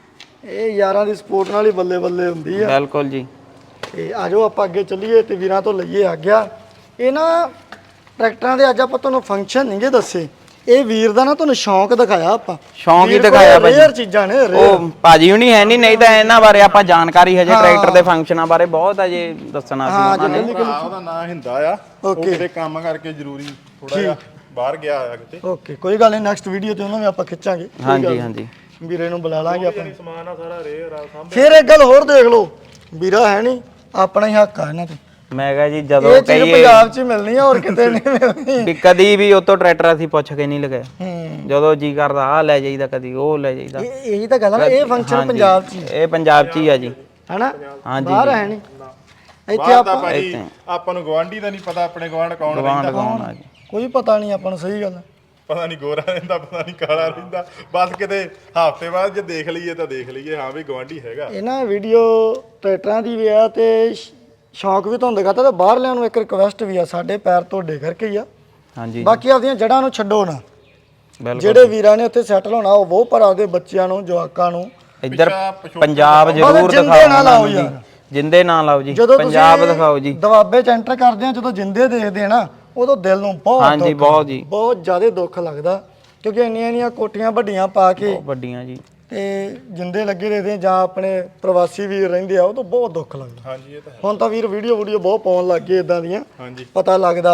[SPEAKER 1] ਇਹ ਯਾਰਾਂ ਦੀ ਸਪੋਰਟ ਨਾਲ ਹੀ ਬੱਲੇ ਬੱਲੇ ਹੁੰਦੀ ਆ।
[SPEAKER 2] ਬਿਲਕੁਲ ਜੀ।
[SPEAKER 1] ਤੇ ਆਜੋ ਆਪਾਂ ਅੱਗੇ ਚੱਲੀਏ ਤੇ ਵੀਰਾਂ ਤੋਂ ਲਈਏ ਆ ਗਿਆ ਇਹ ਨਾ ਟਰੈਕਟਰਾਂ ਦੇ ਅੱਜ ਆਪਾਂ ਤੁਹਾਨੂੰ ਫੰਕਸ਼ਨ ਨਹੀਂਗੇ ਦੱਸੇ। ਇਹ ਵੀਰ ਦਾ ਨਾ ਤੁਹਾਨੂੰ ਸ਼ੌਂਕ ਦਿਖਾਇਆ ਆਪਾਂ।
[SPEAKER 2] ਸ਼ੌਂਕ ਹੀ
[SPEAKER 1] ਵੀਰ ਕੋਲ
[SPEAKER 2] ਦਿਖਾਇਆ ਭਾਜੀ।
[SPEAKER 1] ਰੇਅਰ ਚੀਜ਼ਾਂ ਨੇ rare।
[SPEAKER 2] ਉਹ ਭਾਜੀ ਹੁਣੀ ਹੈ ਨਹੀਂ ਨਹੀਂ ਤਾਂ ਇਹਨਾਂ ਬਾਰੇ ਆਪਾਂ ਜਾਣਕਾਰੀ ਹਜੇ ਟਰੈਕਟਰ ਦੇ ਫੰਕਸ਼ਨਾਂ ਬਾਰੇ ਬਹੁਤ ਹੈ ਜੇ ਦੱਸਣਾ ਸੀ ਉਹਨਾਂ ਨੇ।
[SPEAKER 3] ਭਰਾ ਉਹਦਾ ਨਾਂ ਹਿੰਦਾ ਆ ਉਹ ਕਿਤੇ ਕੰਮ ਕਰਕੇ ਜ਼ਰੂਰੀ ਥੋੜਾ ਜਿਹਾ ਬਾਹਰ ਗਿਆ ਆ ਕਿਤੇ।
[SPEAKER 1] ਓਕੇ ਕੋਈ ਗੱਲ ਨਹੀਂ ਨੈਕਸਟ ਵੀਡੀਓ ਤੇ ਉਹਨਾਂ ਨੂੰ ਆਪਾਂ ਖਿੱਚਾਂਗੇ।
[SPEAKER 2] ਹਾਂਜੀ ਹਾਂਜੀ
[SPEAKER 1] ਵੀਰੇ ਨੂੰ ਬੁਲਾ ਲਾਂਗੇ ਆਪਾਂ।
[SPEAKER 4] ਸਮਾਨ ਆ ਸਾਰਾ ਰੇਅਰ ਆ ਸਾਹਮਣੇ।
[SPEAKER 1] ਫਿਰ ਇੱਕ ਗੱਲ ਹੋਰ ਦੇਖ ਲਓ ਵੀਰਾ ਹੈ ਨਹੀਂ ਆਪਣਾ ਹੀ ਹੱਕ ਆ ਇਹਨਾਂ ਤੇ।
[SPEAKER 2] ਮੈਂ ਕਿਹਾ ਜੀ ਜਦੋਂ
[SPEAKER 1] ਇਹ ਚੀਜ਼
[SPEAKER 2] ਕਹੀਏ
[SPEAKER 1] ਪੰਜਾਬ 'ਚ ਹੀ ਮਿਲਣੀ ਆ ਹੋਰ ਕਿਤੇ ਨਹੀਂ ਮਿਲਣੀ।
[SPEAKER 2] ਵੀ ਕਦੀ ਵੀ ਉਤੋਂ ਟਰੈਕਟਰ ਅਸੀਂ ਪੁੱਛ ਕੇ ਨਹੀਂ ਲਗਾਇਆ।
[SPEAKER 1] ਹੂੰ
[SPEAKER 2] ਜਦੋਂ ਜੀ ਕਰਦਾ ਆਹ ਲੈ ਜਾਈਦਾ ਕਦੀ ਉਹ ਲੈ ਜਾਈਦਾ।
[SPEAKER 1] ਇਹ ਇਹੀ ਤਾਂ ਗੱਲ ਆ ਨਾ ਇਹ ਫੰਕਸ਼ਨ
[SPEAKER 2] ਹਾਂਜੀ,
[SPEAKER 1] ਪੰਜਾਬ 'ਚ ਹੀ
[SPEAKER 2] ਇਹ ਪੰਜਾਬ 'ਚ ਹੀ ਆ ਜੀ।
[SPEAKER 1] ਹੈਨਾ
[SPEAKER 2] ਹਾਂਜੀ
[SPEAKER 1] ਬਾਹਰ ਹੈ ਨਹੀਂ ਇੱਥੇ
[SPEAKER 3] ਬਾਹਰ ਦਾ
[SPEAKER 1] ਆਪਾਂ
[SPEAKER 3] ਭਾਜੀ ਆਪਾਂ ਨੂੰ ਗਵਾਂਢੀ ਦਾ ਨਹੀਂ ਪਤਾ ਆਪਣੇ ਗਵਾਂਢ ਕੌਣ
[SPEAKER 2] ਗਵਾਂਡ
[SPEAKER 3] ਰਹਿੰਦਾ।
[SPEAKER 2] ਗਵਾਉਣ ਆ ਜੀ।
[SPEAKER 1] ਕੋਈ ਪਤਾ ਨਹੀਂ ਆਪਾਂ ਨੂੰ ਸਹੀ ਗੱਲ ਆ।
[SPEAKER 3] ਪਤਾ ਨਹੀਂ ਗੋਰਾ ਰਹਿੰਦਾ ਪਤਾ ਨਹੀਂ ਕਾਲਾ ਰਹਿੰਦਾ। ਬਸ ਕਿਤੇ ਹਫ਼ਤੇ ਬਾਅਦ ਜੇ ਦੇਖ ਲਈਏ ਤਾਂ ਦੇਖ ਲਈਏ ਹਾਂ ਵੀ ਗਵਾਂਢੀ ਹੈਗਾ।
[SPEAKER 1] ਇਹ ਨਾ ਵੀਡੀਓ ਟਰੈਕਟਰਾਂ ਦੀ ਵੀ ਆ ਤੇ ਸ਼- ਸ਼ੌਂਕ ਵੀ ਤੁਹਾਨੂੰ ਦਿਖਾਤਾ ਤੇ ਬਾਹਰਲਿਆਂ ਨੂੰ ਇੱਕ ਰਿਕਵੈਸਟ ਵੀ ਆ ਸਾਡੇ ਪੈਰ ਤੁਹਾਡੇ ਕਰਕੇ ਹੀ ਆ।
[SPEAKER 2] ਹਾਂਜੀ
[SPEAKER 1] ਬਾਕੀ ਆਪਦੀਆਂ ਜੜ੍ਹਾਂ ਨੂੰ ਛੱਡੋ ਨਾ।
[SPEAKER 2] ਬਿਲਕੁਲ
[SPEAKER 1] ਜਿਹੜੇ ਵੀਰਾਂ ਨੇ ਉੱਥੇ ਸੈਟਲ ਹੋਣਾ ਉਹ ਬਹੁਤ ਪਰ ਆਪਦੇ ਬੱਚਿਆਂ ਨੂੰ ਜਵਾਕਾਂ ਨੂੰ
[SPEAKER 2] ਇੱਧਰ
[SPEAKER 3] ਪਿਛੋਕੜ
[SPEAKER 2] ਪੰਜਾਬ ਜ਼ਰੂਰ
[SPEAKER 1] ਜਿੰਦੇ
[SPEAKER 2] ਦਿਖਾਓ
[SPEAKER 1] ਨਾ ਲਾਓ
[SPEAKER 2] ਉਹਨਾਂ ਨੂੰ
[SPEAKER 1] ਯਾਰ।
[SPEAKER 2] ਜੀ। ਜਿੰਦੇ ਨਾ ਲਾਓ ਜੀ
[SPEAKER 1] ਜਦੋਂ
[SPEAKER 2] ਪੰਜਾਬ
[SPEAKER 1] ਤੁਸੀਂ
[SPEAKER 2] ਦਿਖਾਓ ਜੀ।
[SPEAKER 1] ਦਵਾਬੇ ਚ ਐਂਟਰ ਕਰਦੇ ਆ ਜਦੋਂ ਜਿੰਦੇ ਦੇਖਦੇ ਆ ਨਾ ਉਦੋਂ ਦਿਲ ਨੂੰ ਬਹੁਤ
[SPEAKER 2] ਹਾਂਜੀ
[SPEAKER 1] ਦੁੱਖ-
[SPEAKER 2] ਬਹੁਤ ਜੀ
[SPEAKER 1] ਬਹੁਤ ਜ਼ਿਆਦਾ ਦੁੱਖ ਲੱਗਦਾ ਕਿਉਂਕਿ ਇੰਨੀਆਂ ਇੰਨੀਆਂ ਕੋਠੀਆਂ ਵੱਡੀਆਂ ਪਾ ਕੇ
[SPEAKER 2] ਬਹੁਤ ਵੱਡੀਆਂ ਜੀ।
[SPEAKER 1] ਤੇ ਜਿੰਦੇ ਲੱਗੇ ਦੇਖਦੇ ਆ ਜਾਂ ਆਪਣੇ ਪ੍ਰਵਾਸੀ ਵੀਰ ਰਹਿੰਦੇ ਆ ਉਦੋਂ ਬਹੁਤ ਦੁੱਖ ਲੱਗਦਾ।
[SPEAKER 3] ਹਾਂਜੀ ਇਹ ਤਾਂ ਹੈ।
[SPEAKER 1] ਹੁਣ ਤਾਂ ਵੀਰ ਵੀਡੀਓ ਵੀਡੀਓ ਬਹੁਤ ਪਾਉਣ ਲੱਗ ਗਏ ਇਦਾਂ ਦੀਆਂ
[SPEAKER 3] ਹਾਂਜੀ
[SPEAKER 1] ਪਤਾ ਲੱਗਦਾ।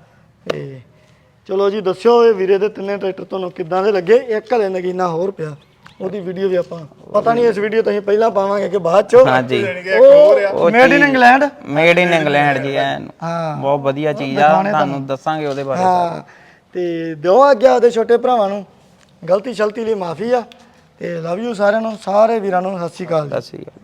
[SPEAKER 1] ਤੇ ਚਲੋ ਜੀ ਦੱਸਿਓ ਇਹ ਵੀਰੇ ਦੇ ਤਿੰਨੇ ਟਰੈਕਟਰ ਤੁਹਾਨੂੰ ਕਿੱਦਾਂ ਦੇ ਲੱਗੇ। ਇੱਕ ਹਲੇ ਨਗੀਨਾ ਹੋਰ ਪਿਆ ਉਹਦੀ ਵੀਡੀਓ ਵੀ ਆਪਾਂ ਪਤਾ ਨਹੀਂ ਇਸ ਵੀਡੀਓ ਤੁਸੀਂ ਪਹਿਲਾਂ ਪਾਵਾਂਗੇ ਕਿ ਬਾਅਦ ਚੋਂ।
[SPEAKER 2] ਹਾਂਜੀ
[SPEAKER 1] ਉਹ made in England.
[SPEAKER 2] Made in England ਜੀ ਐਨ
[SPEAKER 1] ਹਾਂ
[SPEAKER 2] ਬਹੁਤ ਵਧੀਆ ਚੀਜ਼ ਆ ਤੁਹਾਨੂੰ ਦੱਸਾਂਗੇ ਉਹਦੇ ਬਾਰੇ।
[SPEAKER 1] ਹਾਂ ਤੇ ਦਿਓ ਆਗਿਆ ਉਹਦੇ ਛੋਟੇ ਭਰਾਵਾਂ ਨੂੰ ਗਲਤੀ ਸ਼ਲਤੀ ਲਈ ਮਾਫੀ ਆ ਤੇ ਲਵ ਯੂ ਸਾਰਿਆਂ ਨੂੰ ਸਾਰੇ ਵੀਰਾਂ ਨੂੰ ਸਤਿ ਸ਼੍ਰੀ ਅਕਾਲ ਜੀ।
[SPEAKER 2] ਸਤਿ ਸ਼੍ਰੀ ਅਕਾਲ।